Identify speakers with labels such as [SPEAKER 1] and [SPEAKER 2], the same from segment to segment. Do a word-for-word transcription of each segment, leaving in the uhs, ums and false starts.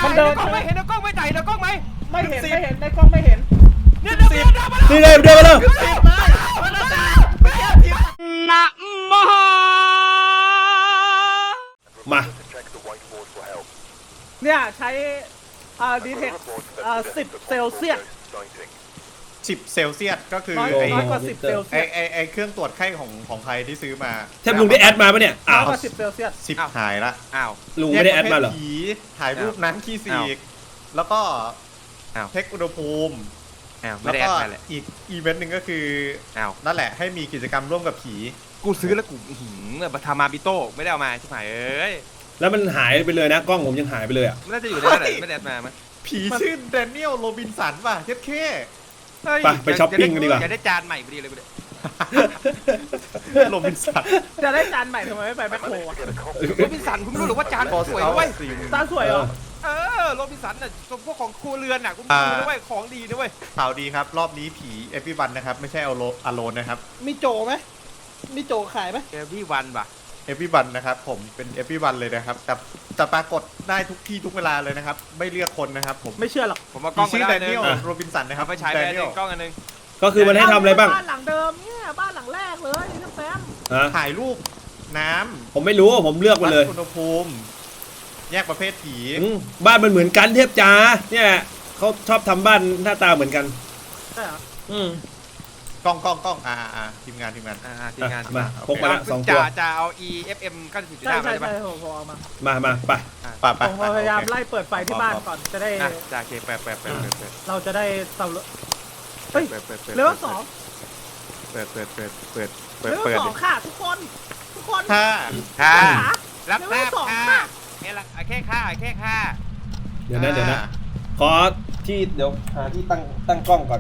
[SPEAKER 1] มันเดิน
[SPEAKER 2] กล้องไม่เห็นกล้องไม่จ่ายกล้องไหม
[SPEAKER 1] ไม่เห็นไม่เห็นในกล้องไม่เห็น
[SPEAKER 2] เนี่ยเดินเดินมาแล้ว
[SPEAKER 3] นี่เลยเดินมาเลย
[SPEAKER 1] สิบมามันจะ
[SPEAKER 2] นะมหา
[SPEAKER 3] มา
[SPEAKER 1] เนี่ยใช้อ่าดีเทคอ่าสิบเซลเซียส
[SPEAKER 4] สิบเซลเซียสก็คือ
[SPEAKER 1] น้อย
[SPEAKER 4] ไอ้
[SPEAKER 1] น้อยกว่าสิบเซลเซี
[SPEAKER 4] ไอ้
[SPEAKER 1] ยส
[SPEAKER 4] ไอ้ไอ้เครื่องตรวจไข้ของของใครที่ซื้อมา
[SPEAKER 3] แทบลุงได้แอดมาปะเนี่ย
[SPEAKER 1] น้
[SPEAKER 3] อ้า
[SPEAKER 1] อยว กว่าสิบเซลเซียส
[SPEAKER 4] สิบหายละ
[SPEAKER 2] อ้าว
[SPEAKER 3] ลุงไม่ได้แอดมาเหรอ
[SPEAKER 4] แยกประภทผีถ่ายรูปน้ำขี้สี
[SPEAKER 2] อ้าว
[SPEAKER 4] กแล้วก็
[SPEAKER 2] อ้าว
[SPEAKER 4] เช็คอุณหภูมิ
[SPEAKER 2] อ้าวไม่
[SPEAKER 4] แล้ว
[SPEAKER 2] ได้แอ
[SPEAKER 4] ก็
[SPEAKER 2] ดมาเลย
[SPEAKER 4] อีกอีเวนต์หนึ่งก็คือ
[SPEAKER 2] อ้าว
[SPEAKER 4] นั่นแหละให้มีกิจกรรมร่วมกับผี
[SPEAKER 2] กูซื้อแล้วกูหืมแบบทามาบิโต้ไม่ได้เอามาใช่ไหมเอ้ย
[SPEAKER 3] แล้วมันหายไปเลยนะกล้องผมยังหายไปเลยอ่ะ
[SPEAKER 2] มันน่าจะอยู่ในนั้นแหละไม่ได้แอดมามั้ย
[SPEAKER 4] ผีชื่อแดเนียลโรบินสันป่ะเย็ดเข้
[SPEAKER 3] ไปไปช้อปปิ้งกันดีกว่า
[SPEAKER 2] จะได้จานใหม่พอดีเลยกูเนี่ย
[SPEAKER 4] โรบินสัน
[SPEAKER 1] จะได้จานใหม่ทำไมไม่ไปแมคโครอะ
[SPEAKER 2] โรบินสันคุณไม่รู้หรือว่าจานสวยนะเว้ย
[SPEAKER 1] จานสวยเหรอ
[SPEAKER 2] เออโรบินสันน่ะพวกของครัวเรือนน่ะกูดูนะเว้ยของดีนะเว้ย
[SPEAKER 4] ข่าวดีครับ รอบนี้ผีเอฟวีวันนะครับ ไม่ใช่เอาโลอโลนนะครับ
[SPEAKER 1] มีโจไหมมีโจขายไหม
[SPEAKER 2] เอวี่วันป่ะ
[SPEAKER 4] เอฟวีวันนะครับผมเป็นเอฟวีวันเลยนะครับแต่จะปรากฏได้ทุกที่ทุกเวลาเลยนะครับ ไม่เลือกคนนะครับผม
[SPEAKER 1] ไม่เชื่อหรอก
[SPEAKER 2] ผมเอาก
[SPEAKER 4] ผี
[SPEAKER 2] ล้องไป
[SPEAKER 4] ชื่อ
[SPEAKER 2] ได้
[SPEAKER 4] แด
[SPEAKER 2] นึ
[SPEAKER 4] เนีย
[SPEAKER 2] ง
[SPEAKER 4] ลโรบินสันนะครับ
[SPEAKER 2] เอาไปใช้ไป
[SPEAKER 4] แด
[SPEAKER 2] ห
[SPEAKER 4] เนีย
[SPEAKER 2] นึ่
[SPEAKER 4] ล
[SPEAKER 2] งกล้องอันนึง
[SPEAKER 3] ก็คือมันให้ทำอะไรบ้าง
[SPEAKER 1] บ้านหลังเดิมเนี่ยบ้านหลังแรกเลยนะแซม
[SPEAKER 3] ฮะ
[SPEAKER 4] ถ่ายรูปน้ำ
[SPEAKER 3] ผมไม่รู้ผมเลือกมาเลย
[SPEAKER 4] วัดอุณหภูมิ แยกประเภทผี
[SPEAKER 3] อืมบ้านมันเหมือนกันเทพจ๋าเนี่ยเขาชอบทำบ้านหน้าตาเหมือนกัน
[SPEAKER 1] ใช่เหรอ
[SPEAKER 3] อืม
[SPEAKER 4] กล้องกล้องกล้องอ่าอ่าทีมงานทีมงาน
[SPEAKER 2] อ่าทีมงาน
[SPEAKER 3] มา
[SPEAKER 4] โอเค
[SPEAKER 3] พกมาละสองตัว
[SPEAKER 2] จะจะเอา อี เอฟ เอ็ม เก้าสิบสี่จุด
[SPEAKER 1] ใช่
[SPEAKER 2] ห้า
[SPEAKER 1] ใช่
[SPEAKER 2] ใช่ปะ
[SPEAKER 1] ใช่ผมผมเอามา
[SPEAKER 3] มามาไป
[SPEAKER 4] ป่ะ
[SPEAKER 1] ผ
[SPEAKER 4] ป่ะ
[SPEAKER 1] มพยายามไล่เปิดไฟที่บ้านก่อนจะได้
[SPEAKER 2] อ่ะจ่าเคเปิดเปิดเปิดเปิดเปิด
[SPEAKER 1] เราจะได้สำรวจเฮ้ย
[SPEAKER 2] เปิดเปิดเปิด
[SPEAKER 1] เลเวลสอง
[SPEAKER 2] เปิดเปิดเปิดเปิดเปิ
[SPEAKER 1] เล
[SPEAKER 2] ด
[SPEAKER 1] เว
[SPEAKER 2] เปิ
[SPEAKER 1] ล
[SPEAKER 2] ด
[SPEAKER 1] สองค่ะทุกคนทุกคน
[SPEAKER 4] ถ้า
[SPEAKER 2] ค่ะ
[SPEAKER 1] ขา
[SPEAKER 2] รับทราบ
[SPEAKER 1] เลเวลสอง
[SPEAKER 2] ค่ะ
[SPEAKER 1] ค่ะ
[SPEAKER 2] แค่ละแค่ค่าแค่ค่า
[SPEAKER 3] เดี๋ยวนะเดี๋ยวนะขอที่เดี๋ยวหาที่ตั้งตั้งกล้องก่อน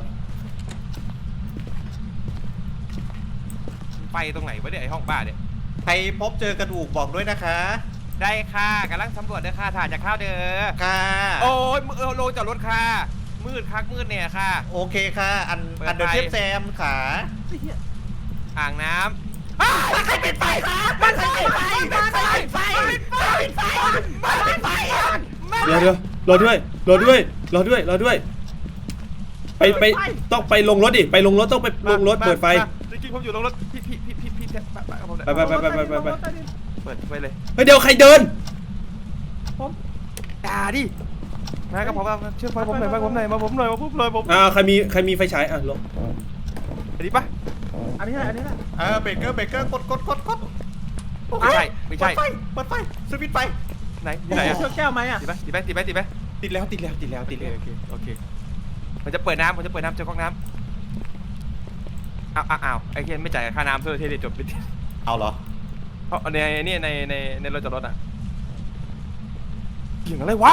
[SPEAKER 2] ไปตรงไหนวะเนี่ยไอห้องบ้าเนี่ย
[SPEAKER 4] ใครพบเจอกระดูกบอกด้วยนะคะ
[SPEAKER 2] ได้ค่ะกำลังสำรวจเด้อค่ะถ่ายจากข้าวเด้อ
[SPEAKER 4] ค่ะ
[SPEAKER 2] โอ้ยเออโลจอดรถค่ะมืดคักมืดเนี่ยค่ะ
[SPEAKER 4] โอเคค่ะ อัน
[SPEAKER 2] เปิด
[SPEAKER 4] อันเดอร์
[SPEAKER 2] ไฟ
[SPEAKER 4] เทปแซมขา
[SPEAKER 1] ไอ้เหี้ย
[SPEAKER 2] อ่างน้ำอ้าวใครปิดไฟมันปิดไฟมันปิดไฟมันปิดไฟมันปิดไฟ
[SPEAKER 3] เดี๋ยวเดี๋ยวรอด้วยรอด้วยรอด้วยรอด้วย ไปไปต้องไปลงรถดิไปลงรถต้องไปลงรถเปิดไฟ
[SPEAKER 2] จริงๆผมอยู่ลงรถพี่พี่พี่พี่พี่ไปไปกับผม
[SPEAKER 3] ไปไปไปไปไปไปไป
[SPEAKER 2] เปิดไฟเลย
[SPEAKER 3] เฮ้ยเดี๋ยวใครเดิน
[SPEAKER 2] ด่าดิมากับผมมาเชื่อไฟผมหน่อยมาผมหน่อยมาผมหน่อยมาผมเลยผม
[SPEAKER 3] อ่าใครมีใครมีไฟฉายอ่ะลง
[SPEAKER 2] อันนี้ปะ
[SPEAKER 1] อันนี้แหละอันนี้แหละ
[SPEAKER 4] เออเบเกอร์เบเกอร์กดกดกดกด
[SPEAKER 2] ไม่ใช่ไม่ใช่
[SPEAKER 4] เปิดไฟเปิดไฟสวิตช์ไฟ
[SPEAKER 2] ไหนที่ไหน
[SPEAKER 1] ไหน
[SPEAKER 2] อะ
[SPEAKER 1] เชือกแก้วไหมอ่ะ
[SPEAKER 2] ติดไหมติดไหมติดไหมติดไหม
[SPEAKER 4] ติดแล้วติดแล้วติดแล้ว
[SPEAKER 2] โอ
[SPEAKER 4] ติด
[SPEAKER 2] เค
[SPEAKER 4] แล้ว
[SPEAKER 2] โอเคโอเคมันจะเปิดน้ำมันจะเปิดน้ำเจอก๊อกน้ำอ้าวอ้าวไอ้เคนไม่จ่ายค่าน้ำเพื่อที่จะจบไป
[SPEAKER 4] เอาเหรอ
[SPEAKER 2] เพราะในนี่ในในในรถจอดรถอ่ะเสียงอะไรวะ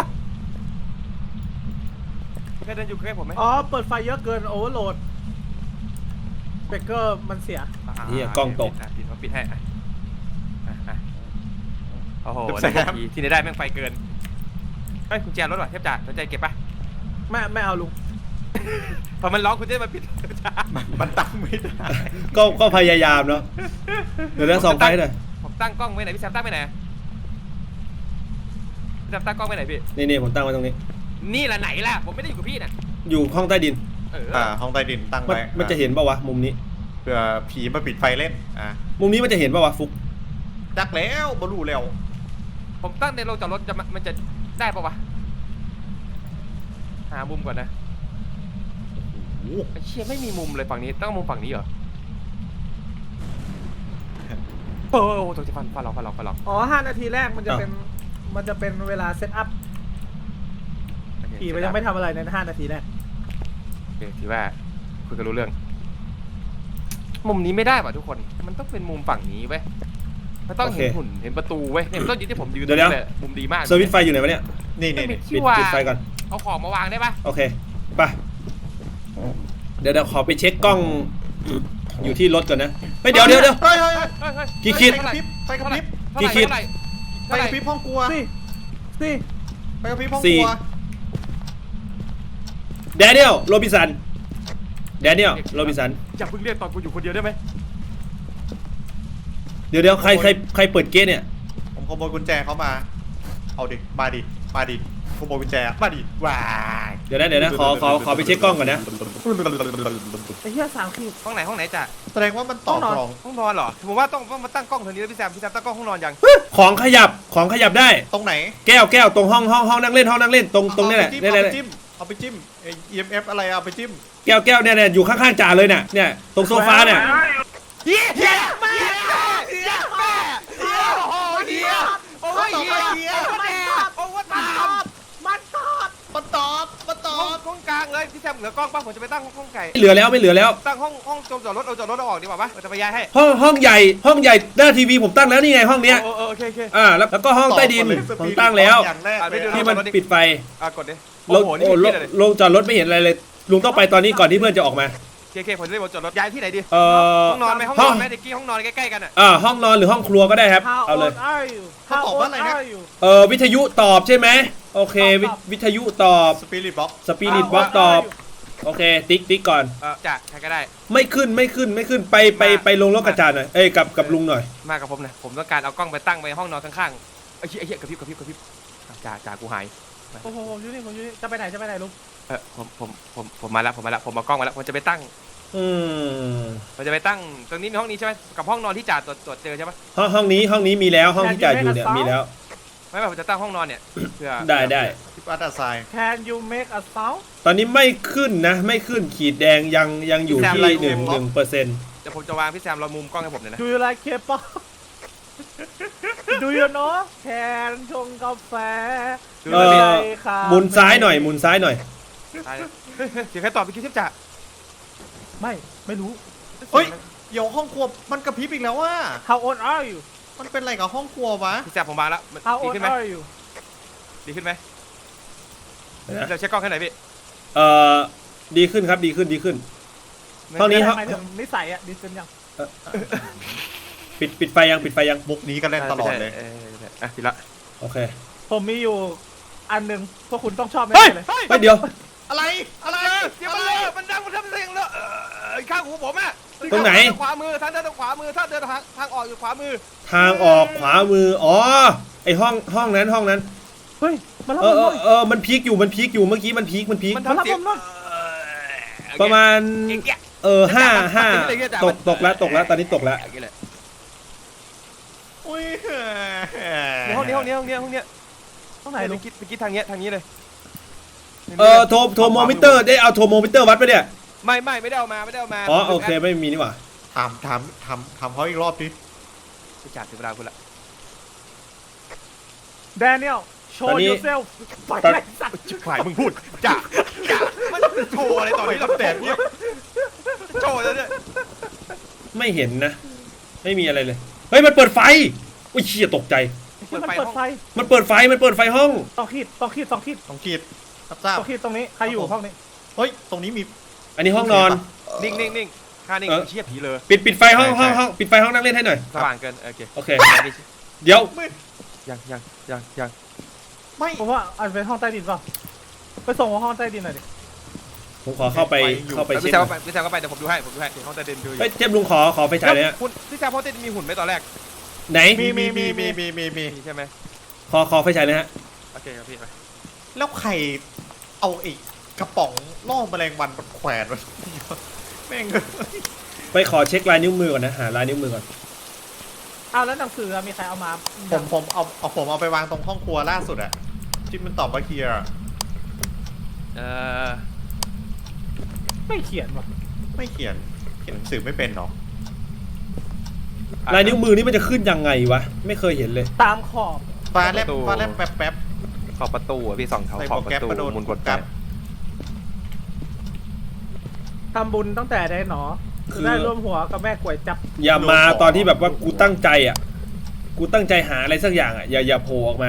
[SPEAKER 2] แค่เดินอยู่ใกล้ผมไหม
[SPEAKER 1] อ๋อเปิดไฟเยอะเกินโอเวอร์โหลดเบรกเกอร์มันเสีย
[SPEAKER 3] เฮียกล้องตก
[SPEAKER 2] อ่ะปิดเขาปิดให้อ่ะอ่ะอ่ะโอ้โหได้ทีที่ไหนได้แม่งไฟเกินเฮ้ยกุญแจรถว่ะเทพจ่าสนใจเก็บปะ
[SPEAKER 1] ไม่ไม่เอาลุง
[SPEAKER 2] พอมันร้องคุณจะมาปิดจ่า
[SPEAKER 4] มันตั้งไม่ได้
[SPEAKER 3] ก็ก็พยายามเนาะเดี๋ยวนะสองไฟหน่อย
[SPEAKER 2] ผมตั้งกล้องไว้ไหนพี่แซมตั้งไว้ไหนพี่แซมตั้งกล้องไว้ไหนพี่
[SPEAKER 3] นี่นี่ผมตั้งไว้ตรงนี้
[SPEAKER 2] นี่แหละไหนล่ะผมไม่ได้อยู่กับพี่น่ะ
[SPEAKER 3] อยู่ห้องใต้ดิน
[SPEAKER 2] เออ
[SPEAKER 4] อ่าห้องใต้ดินตั้ง
[SPEAKER 3] มัน
[SPEAKER 4] ไว้
[SPEAKER 3] มันจะเห็นป่าวะมุมนี้
[SPEAKER 4] เผื่อผีมาปิดไฟเล่นอ่า
[SPEAKER 3] มุมนี้มันจะเห็นป่าวะฟุก
[SPEAKER 4] จักแล้วบรูแล้ว
[SPEAKER 2] ผมตั้งในโรงจอดรถจะมันจะได้ปะวะหามุมก่อนนะ
[SPEAKER 4] โอ้โห
[SPEAKER 2] ไอ้เชี่ยไม่มีมุมเลยฝั่งนี้ต้องมุมฝั่งนี้เหรอโอ้โหตัวจะฟันฟันหลอกฟันหลอกฟันหลอก
[SPEAKER 1] อ๋อห้านาทีแรกมันจะเป็นมันจะเป็นเวลาเซตอัพผีมันยังไม่ทำอะไรในห้านาทีแรก
[SPEAKER 2] โอเคถือว่าคุยกันรู้เรื่อง มุมนี้ไม่ได้ป่ะทุกคนมันต้องเป็นมุมฝั่งนี้เว้ยมันต้องเห็นหุ่นเห็นประตูเว้ยเนี่ยมันต้องยืนที่ผมยืนตรงนี้เลยมุมดีมาก
[SPEAKER 3] สวิตช์ไฟอยู่ไหนวะเนี่ย
[SPEAKER 4] นี่นี่นี่
[SPEAKER 3] ปิดปิดไฟก่อน
[SPEAKER 2] เอาของมาวางได้ปะ
[SPEAKER 3] โอเคไปเดี๋ยวเดี๋ยวขอไปเช็คกล้องอยู่ที่รถก่อนนะเฮ้ยเดี๋ยวเดี๋ยวเดี๋ยว
[SPEAKER 4] เฮ้ยเฮ้ย
[SPEAKER 2] เฮ้ยเฮ้ย
[SPEAKER 3] กี่ขีด
[SPEAKER 4] ไฟกระพริบไฟกระพริบ
[SPEAKER 3] กี่ขีด
[SPEAKER 2] เท่าไหร่
[SPEAKER 4] ไฟ
[SPEAKER 2] เท่าไห
[SPEAKER 4] ก
[SPEAKER 2] ร่
[SPEAKER 4] ระพริบห้องครัว
[SPEAKER 1] สี่สี่
[SPEAKER 4] ไฟกระพริบห้อง
[SPEAKER 3] สี่
[SPEAKER 4] ครัว
[SPEAKER 3] แดเนียลโรบินสันแดเนียลโรบินสัน
[SPEAKER 2] อย่าเพิ่งเรียกตอนกูอยู่คนเดียวได้ไหม
[SPEAKER 3] เดี๋ยวเดี๋ยวใครใครใครเปิดเกตเนี่ย
[SPEAKER 4] ผมขโมยกุญแจเขามา เอาดิ มาดิ มาดิขโมยกุญแจมาดิว้าย
[SPEAKER 3] เดี๋ยวนะเดี๋ยวนะขอขอขอไปเช็คกล้องก่อนนะ
[SPEAKER 1] ไอ้เหี้ยสามขีด
[SPEAKER 2] ห้องไหนห้องไหนจ้ะ
[SPEAKER 4] แสดงว่ามันต่อ
[SPEAKER 1] ห้องนอน
[SPEAKER 4] กล่อง
[SPEAKER 2] ห้องนอนเหรอผมว่าต้องต้องมาตั้งกล้องแถวนี้แล้วพี่แซมพี่แซมตั้งกล้องห้องนอนยัง
[SPEAKER 3] ของขยับของขยับได้
[SPEAKER 4] ตรงไหน
[SPEAKER 3] แก้วแก้วตรงห้องห้องห้องนั่งเล่นห้องนั่งเล่นตรงตรงนี้แหละ
[SPEAKER 4] เอา
[SPEAKER 3] นี่
[SPEAKER 4] ไป
[SPEAKER 3] แหละ
[SPEAKER 4] จิ้มเอาไปจิ้มเอาไปจิ้มไอ้ อี เอ็ม เอฟ อะไรเอาไปจิ้ม
[SPEAKER 3] แก้วแก้วเนี่ยเนี่ยอยู่ข้างๆจ่าเลยเนี่ยเนี่ยตรงโซฟาเนี่ย
[SPEAKER 2] เฮียเฮียแม่เฮียแม่เฮียโอ้เฮียโอ้เฮียเฮียแม่โอ้ว่าตาม
[SPEAKER 1] มันตอบ
[SPEAKER 4] มาตอบมาตอ
[SPEAKER 2] ห้อง
[SPEAKER 4] บ
[SPEAKER 2] ห้องกลางเลยพี่แซมเหลือกล้องป่ะผมจะไปตั้งห้องไก่
[SPEAKER 3] ไม่เหลือแล้วไม่เหลือแล้ว
[SPEAKER 2] ตั้งห้องห้องจอดรถเอาจอดรถเอาออกดีกว่าปะเราจะไปย้ายให้
[SPEAKER 3] ห้องห้องใหญ่ห้องใหญ่หน้าทีวีผมตั้งแล้วนี่ไงห้องเนี้ย
[SPEAKER 2] โอ้โอเคโอเค
[SPEAKER 3] อ่าแล้วแล้วก็ห้องใต้ดิน
[SPEAKER 4] ต่อก่อเลย
[SPEAKER 3] ผมตั้งแล้ว
[SPEAKER 4] อย่างแรกเลย
[SPEAKER 3] ที่มันปิดไฟ
[SPEAKER 2] อ่ะกดดิ
[SPEAKER 3] ล
[SPEAKER 2] โอ้
[SPEAKER 3] ง
[SPEAKER 2] โหนี่
[SPEAKER 3] โอ้
[SPEAKER 2] มี
[SPEAKER 3] ล
[SPEAKER 2] ที่
[SPEAKER 3] ง
[SPEAKER 2] เลย
[SPEAKER 3] ลงจอดรถไม่เห็นอะไรเลยลุงต้องไปตอนนี้ก่อนที่เพื่อนจะออกมา
[SPEAKER 2] โอเคโอเคผมจะได้บอกจอดรถย้ายที่ไหนดี
[SPEAKER 3] เอ่อ
[SPEAKER 2] ห้องนอนไหมห้องนอนไหมเด็กกี้ห้องนอนใกล้ๆกันอ่ะ
[SPEAKER 3] อ่าห้องนอนหรือห้องครัวก็ได้ครับ
[SPEAKER 1] How
[SPEAKER 3] เอาเลย
[SPEAKER 1] old are you
[SPEAKER 4] เขา
[SPEAKER 1] How
[SPEAKER 4] ตอบ
[SPEAKER 1] old
[SPEAKER 4] ว่าอะไรนะ
[SPEAKER 1] are you
[SPEAKER 3] เออวิทยุตอบใช่ไหมโอเควิวิทยุตอบ
[SPEAKER 4] สปิริตบ็อก
[SPEAKER 3] สปิริตบ็อกตอบโอเคติ๊กติ๊กก่อน
[SPEAKER 2] เออจ้ะใครก็ได้
[SPEAKER 3] ไม่ขึ้นไม่ขึ้นไม่ขึ้นไปไปไปลงรถกระจาดหน่อยเอ้ยกับกับลุงหน่อย
[SPEAKER 2] มากับผมนะผมต้องการเอากล้องไปตั้งไว้ห้องนอนข้างๆไอ้เหี้ยไอ้เหี้ยกระพริบกระพริบกระพริบอ่ะจ่าจ่ากูหาย
[SPEAKER 1] โอ้โหผมอยู่นี่ผมอยู่นี่จะไปไหนจะไปไหนลุง
[SPEAKER 2] เออผมผมผมผมมาแล้วผมมาแล้วผมเอากล้องมาแล้วผมจะไปตั้ง
[SPEAKER 3] อืม
[SPEAKER 2] ผมจะไปตั้งตรงนี้มีห้องนี้ใช่ไหมกับห้องนอนที่จ่าตรวจตรวจเจอใช่ไหม
[SPEAKER 3] ห้องห้องนี้ห้องนี้มีแล้วห้องที่จ่ายอยู่เนี่ยมีแล้ว
[SPEAKER 2] ไม่ไม่ผมจะตั้งห้องนอนเนี่ยเพื่อ
[SPEAKER 3] ได้ได้
[SPEAKER 4] ทิปอัตตาไซน์
[SPEAKER 1] Can you make a sound
[SPEAKER 3] ตอนนี้ไม่ขึ้นนะไม่ขึ้นขีดแดงยังยังอยู่ที่หนึ่งหนึ่งเปอร์เซ็นต์
[SPEAKER 2] เดี๋ยวผมจะวางพี่แซมเรามุมกล้องให้ผมเลยนะ
[SPEAKER 1] Do you like K-pop Do you know แคนชงกาแฟ
[SPEAKER 2] ดู
[SPEAKER 3] เอ
[SPEAKER 2] เลย
[SPEAKER 3] อ
[SPEAKER 1] ใค่ะ
[SPEAKER 3] หมุนซ้ายหน่อยหมุนซ้ายหน่อย
[SPEAKER 2] ตายแล้วเฮ้ยเฮ้ยเสียงใครตอบไปคิดทิพย์จ่า
[SPEAKER 1] ไม่ไม่รู้
[SPEAKER 4] เฮ้ยเดี๋ยวห้องครัวมันกระพริบอีกแล้วว่า
[SPEAKER 1] How old are you
[SPEAKER 4] มันเป็นอะไรกับห้องครัววะ
[SPEAKER 2] พี่แซมผมวางแล้วมัน
[SPEAKER 1] How
[SPEAKER 2] ดี
[SPEAKER 1] old
[SPEAKER 2] ขึ้นไหม
[SPEAKER 1] are you
[SPEAKER 2] ดีขึ้นไหม
[SPEAKER 3] นะ
[SPEAKER 2] เราเช็คกล้องให้หน่อยพี่
[SPEAKER 3] เอ่อดีขึ้นครับดีขึ้นดีขึ้น ห้องนี้
[SPEAKER 1] หมายถึงนิสัยอะดีขึ้นยัง
[SPEAKER 3] ปิดปิดไฟยังปิดไฟยัง
[SPEAKER 4] มุกนี้ก็เล่นตลอดเลย
[SPEAKER 2] อออออ่ะปิดละ
[SPEAKER 3] โอเค
[SPEAKER 1] ผมมีอยู่อันหนึ่งพวกคุณต้องชอบแน่
[SPEAKER 3] เฮ้ย
[SPEAKER 1] เลย
[SPEAKER 3] เฮ้ยเดี๋ยว
[SPEAKER 4] อะไรอะไร
[SPEAKER 2] เสียง
[SPEAKER 4] อะ
[SPEAKER 2] มัน
[SPEAKER 4] ไร
[SPEAKER 2] เลอะมันดังมันทำเสียงเลอะเออข้างหูผมอ่ะ
[SPEAKER 3] ตรงไหน
[SPEAKER 2] ทางขวามือทางเดินทางขวามือถ้าเดินทางทางออกอยู่ขวามือ
[SPEAKER 3] ทางออกขวามืออ๋อไอห้องห้องนั้นห้องนั้น
[SPEAKER 1] เฮ้ยมารับ
[SPEAKER 3] เอ
[SPEAKER 1] ผ
[SPEAKER 3] อ
[SPEAKER 1] ม
[SPEAKER 3] เอ
[SPEAKER 1] หน่
[SPEAKER 3] อ
[SPEAKER 1] อย
[SPEAKER 3] เออมันพีคอยู่มันพีคอยู่เมื่อกี้มันพีคมันพีค
[SPEAKER 2] มันทำเสียง
[SPEAKER 1] มารับผมหน่อย
[SPEAKER 2] เออ
[SPEAKER 3] ประมาณ
[SPEAKER 2] เงี้ยเงี้ย
[SPEAKER 3] เออห้าห้า
[SPEAKER 2] เงี้ยเงี้ย
[SPEAKER 3] ตกตกแล้วตกแล้วตอนนี้ตกแล้ว
[SPEAKER 2] อย่างเงี้ยเลย
[SPEAKER 4] อุ้ย
[SPEAKER 2] ในห้องนี้ห้องนี้ห้องนี้ห้องนี้
[SPEAKER 1] ห้องไหน
[SPEAKER 2] ไป
[SPEAKER 1] ลุง
[SPEAKER 2] คิดไปคิดทางเนี้ยทางนี้เลย
[SPEAKER 3] เออโทรโทรโมมิเตอร์ได้เอาโทรโมมิเตอร์วัดไปะเนี่ย
[SPEAKER 2] ไม่ไม่ไม่ได้เอามาไม่ได้เอามา
[SPEAKER 3] อ๋อโอเคไม่มีนี่หว่า
[SPEAKER 4] ถามถามถามถามเขาอีกรอบดิ
[SPEAKER 2] ไปจัดถึงเวลาคุณละ
[SPEAKER 1] Daniel show
[SPEAKER 3] ตอนนี้
[SPEAKER 1] yourself ปล่อย
[SPEAKER 3] ตอน
[SPEAKER 1] ไอ้สัตว์
[SPEAKER 2] ชิบหายมึงพูดจ่าจ่ามันโชว์อะไรตอนนี้เราแต่เนี่ยโชว์แล้วเนี่ย
[SPEAKER 3] ไม่เห็นนะ ไม่มีอะไรเลยเฮ้ยมันเปิดไฟอุ้ยเชี่ยตกใจ
[SPEAKER 1] ที่มันเปิดไฟ
[SPEAKER 3] มันเปิดไฟมันเปิดไฟห้อง
[SPEAKER 1] สองขีดสองขีดสองขีด
[SPEAKER 4] ต้องขีดรับทราบ
[SPEAKER 1] สองขีดตรงนี้ใครอยู่ห้องนี้
[SPEAKER 4] เฮ้ยตรงนี้มี
[SPEAKER 3] อันนี้ห้องนอน
[SPEAKER 2] นิ่งนิ่งนิ่งค่านิ่ง
[SPEAKER 3] เออ
[SPEAKER 2] เชี่ยผีเลย
[SPEAKER 3] ปิดปิดไฟห้องห้องห้องปิดไฟห้องนั่งเล่นให้หน่อย
[SPEAKER 2] สว่างเกินโอเค
[SPEAKER 3] โอเคเดี๋ยว
[SPEAKER 4] ไม่
[SPEAKER 2] ยังยังยังยัง
[SPEAKER 4] ไม่
[SPEAKER 1] ผมว่าอาจจะเป็นห้องใต้ดินเปล่าไปส่งห้องใต้ดินหน่อยดิ
[SPEAKER 3] ผมขอเข้าไปเข้าไป
[SPEAKER 2] พี่
[SPEAKER 3] เช็ค
[SPEAKER 2] แซม
[SPEAKER 3] หน่อย
[SPEAKER 2] ก็ไปพี่แซมก็ไปเดี๋ยวผมดูให้ผมดูให้ห้องใต้ดินดูอยู่
[SPEAKER 3] เฮ้ยเทพลุงขอขอไฟฉายเลยฮะ
[SPEAKER 2] คุณพี่แซมห้องใต้ดินมีหุ่นไหมตอนแรก
[SPEAKER 3] ไหน
[SPEAKER 4] มีมีมีมีมีมีมี
[SPEAKER 2] มีใช่ไหม
[SPEAKER 3] ขอขอไฟฉายเลยฮะ
[SPEAKER 2] โอเคครับพี่ไป
[SPEAKER 4] แล้วใครเอาไอ้กระป๋องล่อแมลงวันมาแขวนไว้แม่ง
[SPEAKER 3] ไปขอเช็คลายนิ้วมือก่อนนะหาลายนิ้วมือก่อน
[SPEAKER 1] อ้าวแล้วหนังสือมีใครเอามา
[SPEAKER 4] ผมผมเอาเอาผมเอาไปวางตรงห้องครัวล่าสุดอะที่มันตอบว่าเคลียร์
[SPEAKER 2] เอ่อ
[SPEAKER 1] ไม่เขียนว่ะ
[SPEAKER 4] ไม่เขียนเขียนหนังสือไม่เป็นหรอ
[SPEAKER 3] ลายนิ้วมือนี่มันจะขึ้นยังไงวะไม่เคยเห็นเลย
[SPEAKER 1] ตามขอบ
[SPEAKER 4] ฟ้าแลบฟ้าแลบแป๊บแป๊บ
[SPEAKER 2] ขอบประตูอ่ะพี่สองแถว
[SPEAKER 4] ใส่
[SPEAKER 2] ขอบ
[SPEAKER 4] โปร
[SPEAKER 2] ป
[SPEAKER 4] แกรม
[SPEAKER 2] ระตู
[SPEAKER 4] กระโดด
[SPEAKER 2] มุนกด
[SPEAKER 4] ก
[SPEAKER 2] กั
[SPEAKER 4] ลั
[SPEAKER 2] น
[SPEAKER 4] บ
[SPEAKER 1] ทำบุญตั้งแต่ได้หนอคือได้ร่วมหัวกับแม่กวยจับ
[SPEAKER 3] อย่ามาตอนที่แบบว่ากูตั้งใจอ่ะกูตั้งใจหาอะไรสักอย่างอ่ะอย่าอย่าโผล่ออกมา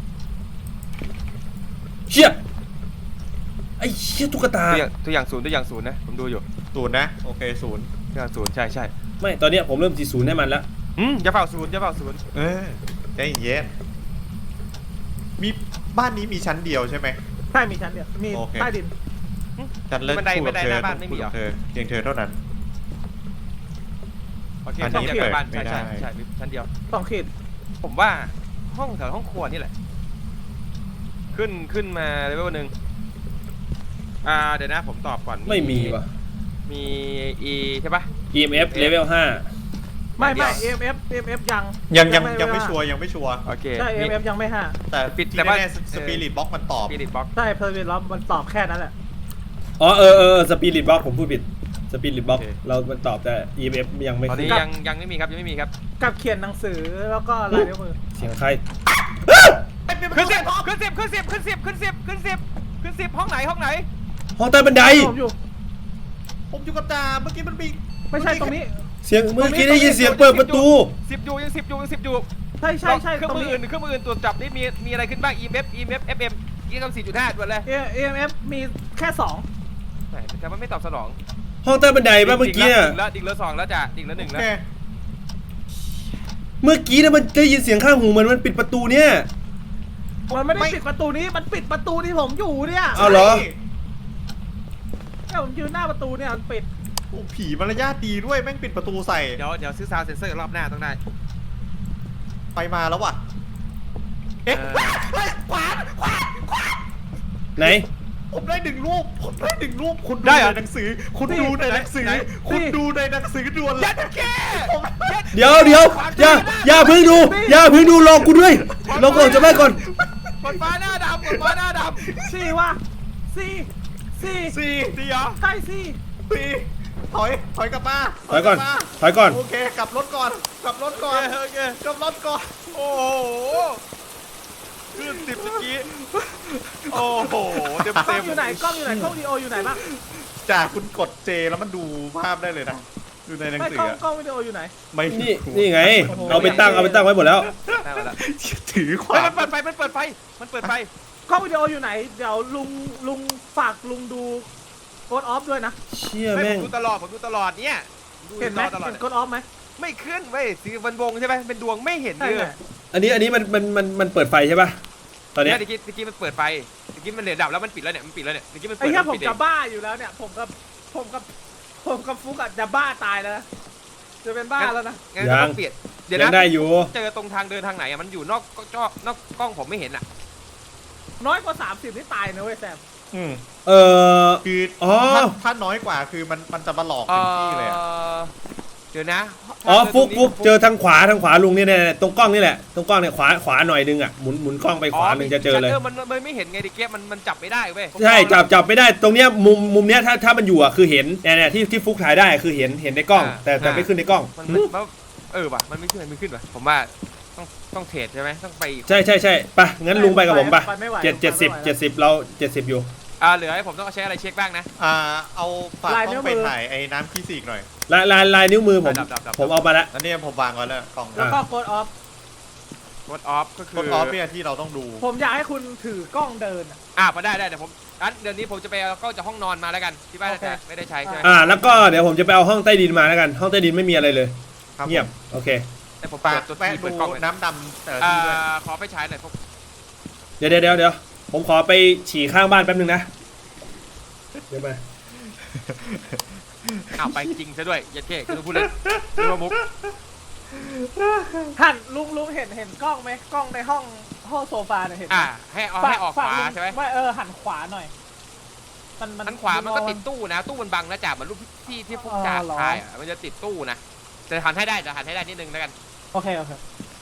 [SPEAKER 3] เชี่ยไอ้เชี่ยตุ๊กตา
[SPEAKER 2] ตัวอย่างตัวอย่างศูนย์ตัวอย่างศูนย์นะผมดูอยู่
[SPEAKER 4] ศูนย์นะ โอเคศูนย์
[SPEAKER 2] ตัวอย่างศูนย์ใช่ใช่
[SPEAKER 3] ไม่ตอนเนี้ยผมเริ่มจีศูนย์ให้มันแล้ว
[SPEAKER 2] อืมอย่าเฝ้าศูนย์อย่าเฝ้าศูนย์
[SPEAKER 4] เออใจเย็นมีบ้านนี้มีชั้นเดียวใช่ไหม
[SPEAKER 1] ใช่มีชั้นเดียวมี
[SPEAKER 4] โอเค
[SPEAKER 1] ใต้ดิน
[SPEAKER 4] ชั้นเลิศ
[SPEAKER 2] บันได
[SPEAKER 4] คู่
[SPEAKER 2] บั
[SPEAKER 4] กับ
[SPEAKER 2] นได
[SPEAKER 4] เธ
[SPEAKER 2] ห
[SPEAKER 4] อ
[SPEAKER 2] น้าบ้านไม่มีเหรอ
[SPEAKER 4] เธอเพียงเธอเท่านั้น
[SPEAKER 2] โอเค
[SPEAKER 4] อัน
[SPEAKER 2] ชั้น
[SPEAKER 4] นี้
[SPEAKER 2] เดียว
[SPEAKER 4] เปิด
[SPEAKER 2] บ้าน
[SPEAKER 4] ไม่
[SPEAKER 2] ใช่
[SPEAKER 4] ได้
[SPEAKER 2] ใช่ใช่มีชั้นเดียว
[SPEAKER 1] สองขีด
[SPEAKER 2] ผมว่าห้องแถวห้องครัวนี่แหละขึ้นขึ้นมาเลเวลหนึ่งอ่าเดี๋ยวนะผมตอบก่อน
[SPEAKER 3] ไม่มีว่ะ
[SPEAKER 2] มี E ใช่ปะ
[SPEAKER 3] อี เอ็ม เอฟ level ห้า
[SPEAKER 1] ไม่ไม่
[SPEAKER 2] เดี๋
[SPEAKER 1] เอ็
[SPEAKER 2] ยว
[SPEAKER 1] มเอฟเอ็มเอฟยัง
[SPEAKER 4] ยังยังยังไม่ชัวร์ยังไม่ชัวร์
[SPEAKER 2] โอเค
[SPEAKER 1] ใช่เอ็มเอฟยังไม่ห้า
[SPEAKER 4] แต่
[SPEAKER 2] ปิด
[SPEAKER 4] ที่
[SPEAKER 2] แต่ว่า
[SPEAKER 4] แน่ๆสปิริตบ็อกมันตอบ
[SPEAKER 2] ปีดิบล็อก
[SPEAKER 1] ใช่เพอร์เวลล็อบมันตอบแค่นั้นแหละ
[SPEAKER 3] อ๋อเออเออสปีริตบล็อกผมพูดผิดสปีริตบล็อกเรามันตอบแต่ อี เอ็ม เอฟ ยังไม่
[SPEAKER 2] ตอน
[SPEAKER 3] ขึ้
[SPEAKER 2] นี้
[SPEAKER 3] น
[SPEAKER 2] ยังยังไม่มีครับยังไม่มีครับ
[SPEAKER 1] กับเขียนหนังสือแล้วก็ลายนิ้วมือ
[SPEAKER 3] เสียงใคร
[SPEAKER 2] ขึ้นสิบขึ้นสิบขึ้นสิบขึ้นสิบขึ้นสิบขึ้นสิบขึ้นสิบห้องไหนห้องไหน
[SPEAKER 3] ห้องใต้บันได
[SPEAKER 1] ผมอยู่
[SPEAKER 4] ผมอยู่กับจ่าเมื่อกี้มันมี
[SPEAKER 1] ไม่ใช่ตรงนี้
[SPEAKER 3] เสียงเมื่อกี้ได้ยินเสียงเปิดประตู
[SPEAKER 2] สิบอยู่ยังสิบอยู่ยังสิบอยู่
[SPEAKER 1] ใช่ใช่ใช่
[SPEAKER 2] เครื่อง
[SPEAKER 1] ตรง
[SPEAKER 2] มือ
[SPEAKER 1] นี้
[SPEAKER 2] อื่นเครื่องมืออื่นตรวจจับนี่มีมีอะไรขึ้นบ้าง อี เอ็ม เอฟ อี เอ็ม เอฟ เอฟ เอ็ม ยี่สิบสี่จุดห้าด่วนเลย
[SPEAKER 1] เอ็มเอฟมีแค่สอง
[SPEAKER 2] ไหนแต่มันไม่ตอบสนอง
[SPEAKER 3] ห้องใต้บันไดป่ะเมื่อกี้น่ะ
[SPEAKER 2] ดิ่งแล้วดิ่งแล้วสองแล้วจ้ะดิ่งแล้วหนึ่ง
[SPEAKER 4] โอ
[SPEAKER 2] แล้ว
[SPEAKER 4] เค
[SPEAKER 3] เมื่อกี้นะมันได้ยินเสียงข้างหูเหมือนมันปิดประตูเนี่ย
[SPEAKER 1] มันไม่ได้ปิดประตูนี้มันปิดประตูที่ผมอยู่เนี่ย
[SPEAKER 3] เอาเหรอ
[SPEAKER 1] เนี่ยผมยืนหน้าประตูเนี่ยมันปิด
[SPEAKER 4] โอ้ผีมารยาทดีด้วยแม่งปิดประตูใส่
[SPEAKER 2] เดี๋ยวเดี๋ยวซื้อซาวด์เซนเซอร์รอบหน้าต้องได้
[SPEAKER 4] ไปมาแล้วว่ะเอ๊ะ
[SPEAKER 2] เออ
[SPEAKER 4] เฮ้ยขวานขวานขวาน
[SPEAKER 3] ไหน
[SPEAKER 4] ผมได้หนึ่งรูปผมได้หนึ่งรูปคุณดู
[SPEAKER 2] ได้เหรอ
[SPEAKER 4] ในหนังสือ คุณดูในหนังสือ
[SPEAKER 2] ไหน
[SPEAKER 4] คุณดูในหนังสือด่วนเล
[SPEAKER 2] ยั
[SPEAKER 4] ย
[SPEAKER 2] ดแก
[SPEAKER 3] เดี๋ยวเดี๋ยวอย่าอย่าเพิ่งดูอย่าเพิ่งดูรอกูด้วยรอก่อนจะไปก่อน
[SPEAKER 2] กดฟ้าหน้าดำกดฟ้าหน้าด
[SPEAKER 1] สี่ว่ะสี่สี่
[SPEAKER 4] สี่
[SPEAKER 2] ำดีเหรอ
[SPEAKER 1] ใช่สี่
[SPEAKER 4] สี่ถอยถอยกลับมา
[SPEAKER 3] ถอยก่อน
[SPEAKER 4] ลับมา
[SPEAKER 3] ถอยก่อน
[SPEAKER 4] โอเคกลับรถก่อนกลับรถก่อน
[SPEAKER 2] โอเค
[SPEAKER 4] กลับรถก่อน
[SPEAKER 2] โอ้โหขึ้นสิบเมื่อกี้โอ้โหเต็ม
[SPEAKER 1] กล้
[SPEAKER 2] เต็
[SPEAKER 1] อง
[SPEAKER 2] ม
[SPEAKER 1] อยู่ไหนกล้องอยู่ไหนกล้องวิดีโออยู่ไหนบ้าง
[SPEAKER 4] จากคุณกดเจแล้วมันดูภาพได้เลยนะดูในหนัง
[SPEAKER 1] ไม่
[SPEAKER 4] สือก
[SPEAKER 1] ล้อง
[SPEAKER 4] อะ
[SPEAKER 1] กล้องวิดีโออยู่ไหน
[SPEAKER 4] ไม่
[SPEAKER 3] นี่นี่ไง เอาไปตั้งเอาไปตั้งไว้หมดแล้ว
[SPEAKER 2] ได้มาแล้ว
[SPEAKER 4] ถือข
[SPEAKER 2] เฮ้ยว
[SPEAKER 4] าน
[SPEAKER 2] มันเปิดไฟมันเปิดไฟมันเปิดไฟ
[SPEAKER 1] กล้องวิดีโออยู่ไหนเดี๋ยวลุงลุงฝากลุงดูโกดออฟด้วยนะ
[SPEAKER 3] เชี่ย
[SPEAKER 2] ไม่ผ
[SPEAKER 3] แม่ง
[SPEAKER 2] มดูตลอดผมดูตลอดเนี่ยดู
[SPEAKER 1] เห็นไหม
[SPEAKER 2] ตลอด
[SPEAKER 1] เห็นโกดออฟไหม
[SPEAKER 2] ไม่ขึ้นเว้ยสีวันวงใช่ไหมเป็นดวงไม่เห็น
[SPEAKER 1] ใช่
[SPEAKER 2] เลย
[SPEAKER 1] ไหม
[SPEAKER 3] อันนี้อันนี้มันมันมันมันเปิดไฟใช่ป่ะตอนเนี้
[SPEAKER 2] เนี่ย ยตะกี้ตะกี้มันเปิดไฟตะกี้มันเหลือดับแล้วมันปิดแล้วเนี่ยมันปิดแล้วเนี่ยตะกี้มัน
[SPEAKER 1] ไอ้
[SPEAKER 2] เปิด
[SPEAKER 1] แค่
[SPEAKER 2] แล้ว
[SPEAKER 1] ผ
[SPEAKER 2] น
[SPEAKER 1] ม
[SPEAKER 2] ปิดเอ
[SPEAKER 1] จะ
[SPEAKER 2] ง
[SPEAKER 1] บ้าอยู่แล้วเนี่ยผมกับผมกับผมกับฟุกอะจะบ้าตายแล้วนะจะเป็นบ้าแล้วนะ
[SPEAKER 2] งั้นก็ต้องเปลี่ยนเดี๋ยว
[SPEAKER 3] ยัง
[SPEAKER 2] นะ
[SPEAKER 3] ได้อยู่
[SPEAKER 2] เจอตรงทางเดินทางไหนอะมันอยู่นอกจอนอกกล้องผมไม่เห็นอ่ะ
[SPEAKER 1] น้อยกว่าสามสิบนี่ตายนะเว้ยแซม
[SPEAKER 4] อืม
[SPEAKER 3] เออ
[SPEAKER 4] คือ
[SPEAKER 3] อ๋อ
[SPEAKER 4] ถ้าถ้าน้อยกว่าคือมันมันจะมาหลอกถึงที่เลยอะ
[SPEAKER 2] เดี๋ยวนะ
[SPEAKER 3] อ๋อฟุกฟุกเจ
[SPEAKER 2] อ
[SPEAKER 3] อทางขวาทางขวาลุงเนี่ยเนี่ยตรงกล้องนี่แหละตรงกล้องเนี่ยขวาขวาหน่อยนึงอ่ะหมุนหมุนกล้องไปขวาหนึ่งจะเจอเลย
[SPEAKER 2] มันมันไม่เห็นไงดิเก๊มันมันจับไม่ได้เว้ย
[SPEAKER 3] ใช่จับจับไม่ได้ตรงเนี้ยมุมมุมเนี้ยถ้าถ้ามันอยู่อ่ะคือเห็นเนี่ยเนี่ยที่ที่ฟุกถ่ายได้คือเห็นเห็นในกล้อง แต่แต่ไม่ขึ้นในกล้อง
[SPEAKER 2] มันมันมันเออว่ะมันไม่ขึ้นมันไม่ขึ้นว่ะผมว่าต้องต้องเทรดใช่ไหมต้องไปอีก
[SPEAKER 3] ใช่ใช่ใช่ไปงั้นลุงไปกับผมไป
[SPEAKER 1] ไปไม่ไหว
[SPEAKER 3] เจ็ดเจ็ดสิบเจ็ดสิบเราเจ็ดสิบอยู่
[SPEAKER 2] อ่าเหลือให้ผมต้องใช้อะไรเช็คบ้างนะ
[SPEAKER 4] อ่าเอาฝากต้องไปถ่ายไอ้น้ำขี้สีกหน่อย
[SPEAKER 3] ลายลายลายนิ้วมือผม
[SPEAKER 2] ดับดับดับ
[SPEAKER 3] ผมเอามาละ
[SPEAKER 4] อันนี้ผมวางไว้แล้วกล่อง
[SPEAKER 1] แล้วก็โกดออฟ
[SPEAKER 2] กดออฟก็คื
[SPEAKER 4] ก
[SPEAKER 2] อ
[SPEAKER 4] ดออฟเนี่ยที่เราต้องดู
[SPEAKER 1] ผมอยากให้คุณถือกล้องเดินอะ
[SPEAKER 2] อ่าพอได้ได้เดี๋ยวผมงั้นเดี๋ยวนี้ผมจะไปเอากล้องจากห้องนอนมาแล้วกันที่บ้าน
[SPEAKER 1] โอเค
[SPEAKER 2] ไม่ได้ใช้ใช่ไหม
[SPEAKER 3] อ่าแล้วก็เดี๋ยวผมจะไปเอาห้องใต้ดินมาแล้วกันห้องใต้ดินไม่มีอะไรเลย
[SPEAKER 4] ครับ
[SPEAKER 3] เงียบโอเค
[SPEAKER 2] แต่ผม
[SPEAKER 4] ฝา
[SPEAKER 2] เปิ
[SPEAKER 4] ก
[SPEAKER 2] ดตัว
[SPEAKER 4] แวะ
[SPEAKER 2] ที่
[SPEAKER 4] ดู
[SPEAKER 2] เปิดกล้องเลย
[SPEAKER 4] น้ำดำแต่ละ
[SPEAKER 2] อ่า
[SPEAKER 4] ที่ด้วย
[SPEAKER 2] ขอไปฉายหน่อยพวก
[SPEAKER 3] เดี๋ยวเดี๋ยวเดี๋ยวเดี๋ยวผมขอไปฉี่ข้างบ้านแป๊บนึงนะเดี๋ยวมา
[SPEAKER 2] อ้าวไปจริงซะด้วยยัดเก้คือพูดเลยพูดว่ามุก
[SPEAKER 1] หันลุงลุงเห็นเห็นกล้องไหมกล้องในห้องห้องโซฟาเนี่ยเห็นไหม
[SPEAKER 2] อ่าให้เอาให้ออกขวา
[SPEAKER 1] ลุง
[SPEAKER 2] ใช่ไหม
[SPEAKER 1] ไม่เออหันขวาหน่อย มันมัน
[SPEAKER 2] อันขวามันก็ติดตู้นะตู้มันบังนะจ่าเหมือนรูปที่ที่พวกจ่า
[SPEAKER 1] อ๋อเหรอ
[SPEAKER 2] ถ่ายอ่ะมันจะติดตู้นะจะหันให้ได้จะหันให้ได้นิดนึงแล้วกัน
[SPEAKER 1] โอเคโอเค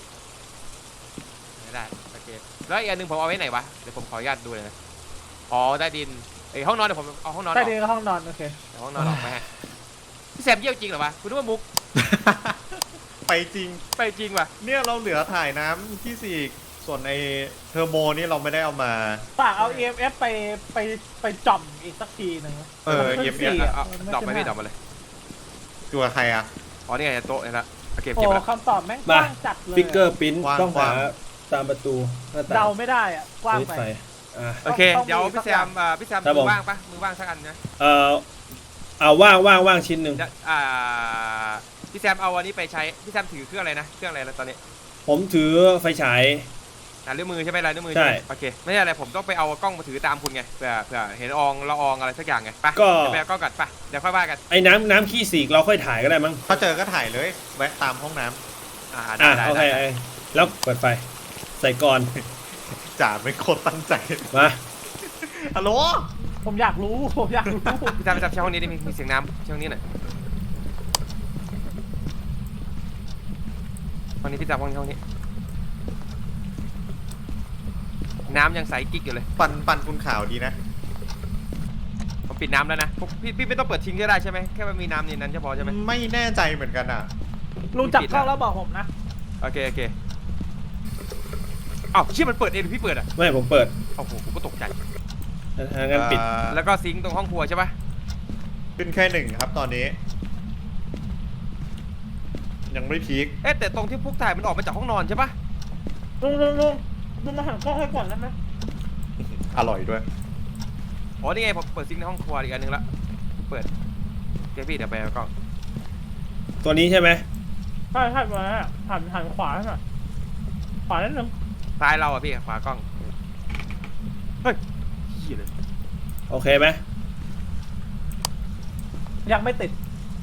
[SPEAKER 2] ไม่ได้โอเคแล้วอีกอันหนึ่งผมเอาไว้ไหนวะเดี๋ยวผมขออนุญาตดูเลยนะอ๋อใต้ดินไอยห้องนอนเดี๋ยวผมเอาห้องนอนอ
[SPEAKER 1] ใต้
[SPEAKER 2] อก
[SPEAKER 1] ดินกับห้องนอนโอเค
[SPEAKER 2] เดี๋ยวห้องนอนออกไปฮะพี่แซมเยี่ยวจริงเหรอวะคุณนึกว่ามุก
[SPEAKER 4] ไปจริง
[SPEAKER 2] ไปจริงว่ะ
[SPEAKER 4] เนี่ยเราเหลือถ่ายน้ำขี้สีกส่วนไอ้เทอร์โมนี่เราไม่ได้เอามา
[SPEAKER 1] ฝากเอา อี เอ็ม เอฟ ไปไปไปจ่อมอีกสักทีหนึ่ง
[SPEAKER 4] เออ
[SPEAKER 1] มันขึ้น
[SPEAKER 4] เอ็มเอฟ
[SPEAKER 1] สี่ะ
[SPEAKER 2] เอา
[SPEAKER 1] มัน
[SPEAKER 2] ดอกไป
[SPEAKER 1] ขึ้น
[SPEAKER 2] พี่ด
[SPEAKER 1] ห้า
[SPEAKER 2] อกมาเลย
[SPEAKER 4] ตัวใครอ่ะ
[SPEAKER 2] อ๋อนี่ไงโต๊ะนี่ละโอเค
[SPEAKER 1] โอ้
[SPEAKER 2] เก็บไปแล้ว
[SPEAKER 1] คำตอบแม่งก
[SPEAKER 3] มา
[SPEAKER 1] ว้างจัดเลย
[SPEAKER 3] ฟิกเกอร์ปิ้น
[SPEAKER 4] วาง
[SPEAKER 3] ต้องหาว
[SPEAKER 4] าง
[SPEAKER 3] ตามประตูหน้าต่าง
[SPEAKER 1] เดาไม่ได้อ่ะกว้างไป
[SPEAKER 3] ใส่อ่า
[SPEAKER 2] โอเค
[SPEAKER 1] ต้อง
[SPEAKER 2] เดี๋ยว
[SPEAKER 1] มี
[SPEAKER 2] พี่แซ
[SPEAKER 1] สักอย่าม ง
[SPEAKER 2] อ่าพี่แซม
[SPEAKER 3] ครับ
[SPEAKER 2] มื
[SPEAKER 3] ผม
[SPEAKER 2] อว่างปะมือว่างสักอันนะ
[SPEAKER 3] เอ่อเอาว่างว่างว่างชิ้นหนึ่ง
[SPEAKER 2] จะอ่าพี่แซมเอาอันนี้ไปใช้พี่แซมถือเครื่องอะไรนะเครื่องอะไรแล้วตอนนี้
[SPEAKER 3] ผมถือไฟฉาย
[SPEAKER 2] ลายนิ้วมือใช่ไหมลายนิ้วมือ
[SPEAKER 3] ใช่
[SPEAKER 2] โอเคไม่ใช่อะไรผมต้องไปเอากล้องมาถือตามคุณไงเผื่อเผื่อเห็นอองละอองอะไรสักอย่างไงไป
[SPEAKER 3] ก็
[SPEAKER 2] เดี๋ยวไปเอากล้องกัดไปเดี๋ยวค่อยว่ากัน
[SPEAKER 3] ไอ้น้ำน้ำขี้สีกเราค่อยถ่ายก็ได้มั้ง
[SPEAKER 4] ถ้าเจอก็ถ่ายเลย แวะตามห้องน้ำ
[SPEAKER 2] อ่า
[SPEAKER 3] อ่ะ
[SPEAKER 2] ได้
[SPEAKER 3] โอเค
[SPEAKER 2] ได้ได้
[SPEAKER 3] แล้วเปิดไฟใส่ก่อน
[SPEAKER 4] จ่าไม่โคตรตั้งใจ
[SPEAKER 3] มา
[SPEAKER 4] ฮัลโหล
[SPEAKER 1] ผมอยากรู้ผมอยากรู้
[SPEAKER 2] พี่ตามไปจับช่องนี้ดิมีมีเสียงน้ำช่องนี้หน่อยห้องนี้พี่จับห้องนี้ห้องนี้น้ำยังใสกิ๊กอยู่เลย
[SPEAKER 4] ปันปันคุณข่าวดีนะ
[SPEAKER 2] ผมปิดน้ำแล้วนะพวกพี่พี่ไม่ต้องเปิดทิ้งก็ได้ใช่ไหมแค่มันมีน้ำในนั้นจะพอใช่ไหม
[SPEAKER 4] ไม่แน่ใจเหมือนกันอ่ะ
[SPEAKER 1] ลุงจับกล้องแล้วบอกผมนะ
[SPEAKER 2] โอเคโอเคอ้าวเชี่ยมันเปิดเองหรือพี่เปิดอ่ะ
[SPEAKER 3] ไม่ผมเปิด
[SPEAKER 2] โอ้โหผมก็ตกใจ
[SPEAKER 3] ทางงั้นปิด
[SPEAKER 4] อ่า
[SPEAKER 2] แล้วก็ซิงค์ตรงห้องครัวใช่ปะ
[SPEAKER 4] ขึ้นแค่หนึ่งครับตอนนี้ ยังไม่พีค
[SPEAKER 2] เอ๊ะแต่ตรงที่พวกถ่ายมันออกมาจากห้องนอนใช่ปะ
[SPEAKER 1] ลุงลุงลุงลุงมาหันกล้องให้ก่อนได้ไหม
[SPEAKER 4] อร่อยด้วย
[SPEAKER 2] อ๋อนี่ไงผมเปิดซิงค์ในห้องครัวอีกอันหนึงละเปิดเดี๋ยวพี่เดี๋ยวไปเอากล้อง
[SPEAKER 3] ตัวนี้ใช่ไหม
[SPEAKER 1] ใช่ใช่มาหันหันขวาให้หน่อยขวานิดนึง
[SPEAKER 2] ซ้ายเราอ่ะพี่ขวากล้องเฮ้ยเหี้ยเลย
[SPEAKER 3] โอเคไหม
[SPEAKER 1] ยังไม่ติด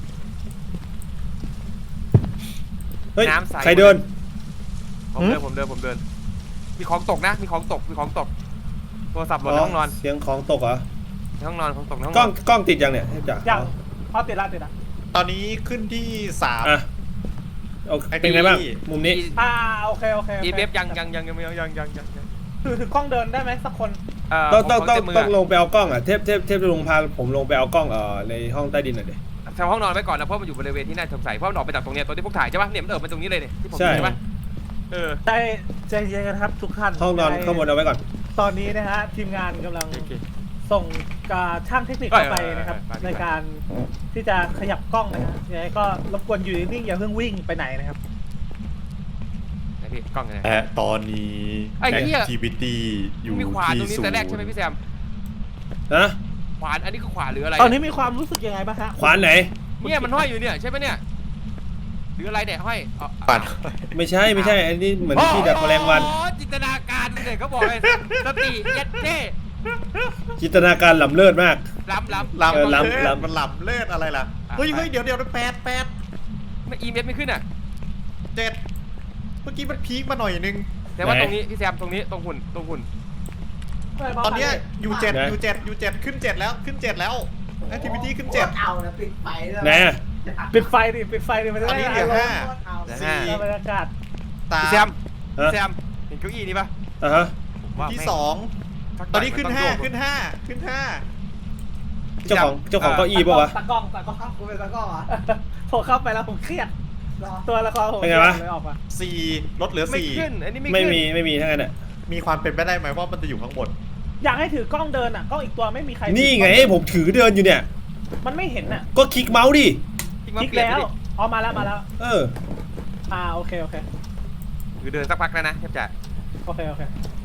[SPEAKER 3] เฮ้ย
[SPEAKER 2] น้ำใส
[SPEAKER 3] ใครเดิน
[SPEAKER 2] ผมเดินผมเดินผมเดินมีของตกนะมีของตกมีของตกโทรศัพท์หล่นในห้องนอน
[SPEAKER 3] เสียงของตกเหรอ
[SPEAKER 2] ในห้องนอนของตกในห้อง
[SPEAKER 3] กล้
[SPEAKER 2] น
[SPEAKER 3] อง
[SPEAKER 2] อน
[SPEAKER 3] กล้องติดยังเนี่ยเทพจ๋า
[SPEAKER 1] ยังพอติดละติดละ
[SPEAKER 4] ตอนนี้ขึ้นที่สาม
[SPEAKER 3] อ่ะโอเค
[SPEAKER 4] ไอ้
[SPEAKER 3] เป็นไงบ้าง
[SPEAKER 4] ที่
[SPEAKER 3] มุมนี้
[SPEAKER 1] อ่าโอเคโอเคโอ
[SPEAKER 2] อี
[SPEAKER 1] เค
[SPEAKER 2] เบฟยังยังยังยังยังยังยังยังยัง
[SPEAKER 1] ถือถือกล้องเดินได้ไหมสักคน
[SPEAKER 2] เอ่อ
[SPEAKER 3] ต้องต้อง
[SPEAKER 2] ข
[SPEAKER 3] ต้อง
[SPEAKER 2] เมื
[SPEAKER 3] ต้องลงไปเอากล้องอ่ะเทพเทพเทพจะลงพาผมลงไปเอากล้องเอ่อในห้องใต้ดินหน่อยดิ
[SPEAKER 2] แถวห้องนอนไว้ก่อนนะเพราะมันอยู่บริเวณที่น่าสงสัยเพราะมันออกไปจากตรงเนี้ยตัวที่พวกถ่ายใช่ปะเนี่ยมันเออมาตรงนี้เลยเนี่ยที่ผม
[SPEAKER 3] ใช่
[SPEAKER 2] เห็นใช่ปะเออ
[SPEAKER 1] ใจใจเย็นกันครับทุกท่าน
[SPEAKER 3] ห้องนอนข้างบนเอาไว้ก่อน
[SPEAKER 1] ตอนนี้นะฮะทีมงานกำลัง
[SPEAKER 2] โอเค
[SPEAKER 1] ส่งการช่างเทคนิคเข้าไปนะครับ
[SPEAKER 2] ไปไปไปไป
[SPEAKER 1] ในการที่จะขยับกล้องนะฮะยังไงก็รบกวนอยู่นิ่งๆอย่าเพิ่งวิ่งไปไหนนะครับ
[SPEAKER 2] ไหนพี่กล้องอยู่ไหน
[SPEAKER 4] แอะตอนนี้
[SPEAKER 2] ไอ้เหี้ย
[SPEAKER 4] activity อยู่
[SPEAKER 2] มีขวานตรงนี้
[SPEAKER 4] ที่ศูน
[SPEAKER 2] แต่
[SPEAKER 4] ย์
[SPEAKER 2] แรกใช่ไหมพี่แซม
[SPEAKER 3] นะ
[SPEAKER 2] ขวานอันนี้คือขวานหรืออะไร
[SPEAKER 1] ตอนนี้มีความรู้สึกยังไงบ้างฮะ
[SPEAKER 3] ขวานไหน
[SPEAKER 2] เนี่ยมันห้อยอยู่เนี่ยใช่ไหมเนี่ยหรืออะไรเนี่ยห้อยอ๋อ
[SPEAKER 4] ปัน
[SPEAKER 3] ไม่ใช่ไม่ใช่อันนี้เหมือนที่ดักแมลงวัน
[SPEAKER 2] อ๋อจินตนาการเลยเขาบอกเลยสติเย็ดเจ้
[SPEAKER 3] จินตนาการล้ำเลิศมาก
[SPEAKER 2] ล้ำล้ำ
[SPEAKER 4] ลำ
[SPEAKER 3] เออลำ
[SPEAKER 4] เลิศ
[SPEAKER 3] ลำ
[SPEAKER 4] มันลำเลิศอะไรล่ะ
[SPEAKER 2] อ่ะ
[SPEAKER 4] เฮ้ย
[SPEAKER 2] ไป
[SPEAKER 4] เฮ้ยเดี๋ยวเดี๋ยวแปดแปด
[SPEAKER 2] ไม่อีเมลไม่ขึ้นอ่ะ
[SPEAKER 4] เจ็ดเมื่อกี้มันพีคมาหน่อยนึง
[SPEAKER 2] แต่ว่า
[SPEAKER 3] ไหน
[SPEAKER 2] ตรงนี้พี่แซมตรงนี้ตรงหุ่นตรงหุ่น
[SPEAKER 4] ตอนเนี้ยยูเจ็ด
[SPEAKER 3] ไหน
[SPEAKER 4] ยูเจ็ดยูเจ็ดขึ้นเจ็ดแล้วขึ้นเจ็ดแล้ว activity ขึ้นเจ็ด
[SPEAKER 5] เอานะปิดไฟเลย
[SPEAKER 3] ไหนอะ
[SPEAKER 1] ปิดไฟดิปิดไฟดิมันจะ
[SPEAKER 4] ตอน
[SPEAKER 1] ได้
[SPEAKER 4] นี้เหลือห้า
[SPEAKER 5] เอา
[SPEAKER 2] เดี๋ยว
[SPEAKER 4] สี่
[SPEAKER 2] ห้า
[SPEAKER 1] บรรยากาศ
[SPEAKER 4] สาม
[SPEAKER 2] พี่แซม
[SPEAKER 3] ฮะ
[SPEAKER 2] พี่แซมเห็นเก้าอี้นี่ปะ
[SPEAKER 3] อ่ะฮะ
[SPEAKER 2] ผมว่า
[SPEAKER 4] ที่
[SPEAKER 2] แม่
[SPEAKER 4] สอง
[SPEAKER 2] สัก
[SPEAKER 4] ตอนนี้ขึ้น
[SPEAKER 2] มั
[SPEAKER 4] ห้า
[SPEAKER 2] ต้งโยก
[SPEAKER 4] ขึ้นห้าขึ้นห้า
[SPEAKER 3] เจ้าของเจ้าของเก้าอี้ปะวะ
[SPEAKER 1] ตะกล้องตะกล้อง
[SPEAKER 5] กูเป็นตะกร้อเหรอ
[SPEAKER 1] ผมเข้าไปแล้วผมเครียด
[SPEAKER 5] รอ
[SPEAKER 1] ตัวละครผม
[SPEAKER 3] เป็นไงวะ
[SPEAKER 1] เลยออกมา
[SPEAKER 4] สี่ลดเหลือ
[SPEAKER 2] ไม่
[SPEAKER 4] สี่
[SPEAKER 2] ขึ้นอันนี้ไม่
[SPEAKER 3] ไม่
[SPEAKER 2] ขึ้น
[SPEAKER 3] มีไม่มีทั้งนั้นอ่ะ
[SPEAKER 4] มีความเป็นไปได้ไหมว่ามันจะอยู่ข้างบน
[SPEAKER 1] อยากให้ถือกล้องเดินอ่ะกล้องอีกตัวไม่มีใคร
[SPEAKER 3] นี่ไงผมถือเดินอยู่เนี่ย
[SPEAKER 1] มันไม่เห็นอ่ะ
[SPEAKER 3] ก็คลิกเมาส์ดิ
[SPEAKER 2] จริงมา
[SPEAKER 1] คลิก
[SPEAKER 2] เปลี่ยน
[SPEAKER 1] แล้ว
[SPEAKER 2] ดิ
[SPEAKER 1] อ๋อมาแล้วมาแล้ว
[SPEAKER 3] เออ
[SPEAKER 1] อ่าโอเคโอเค
[SPEAKER 2] คือเดินสักพักแล้วนะแทบจะ
[SPEAKER 1] โอเคโอเค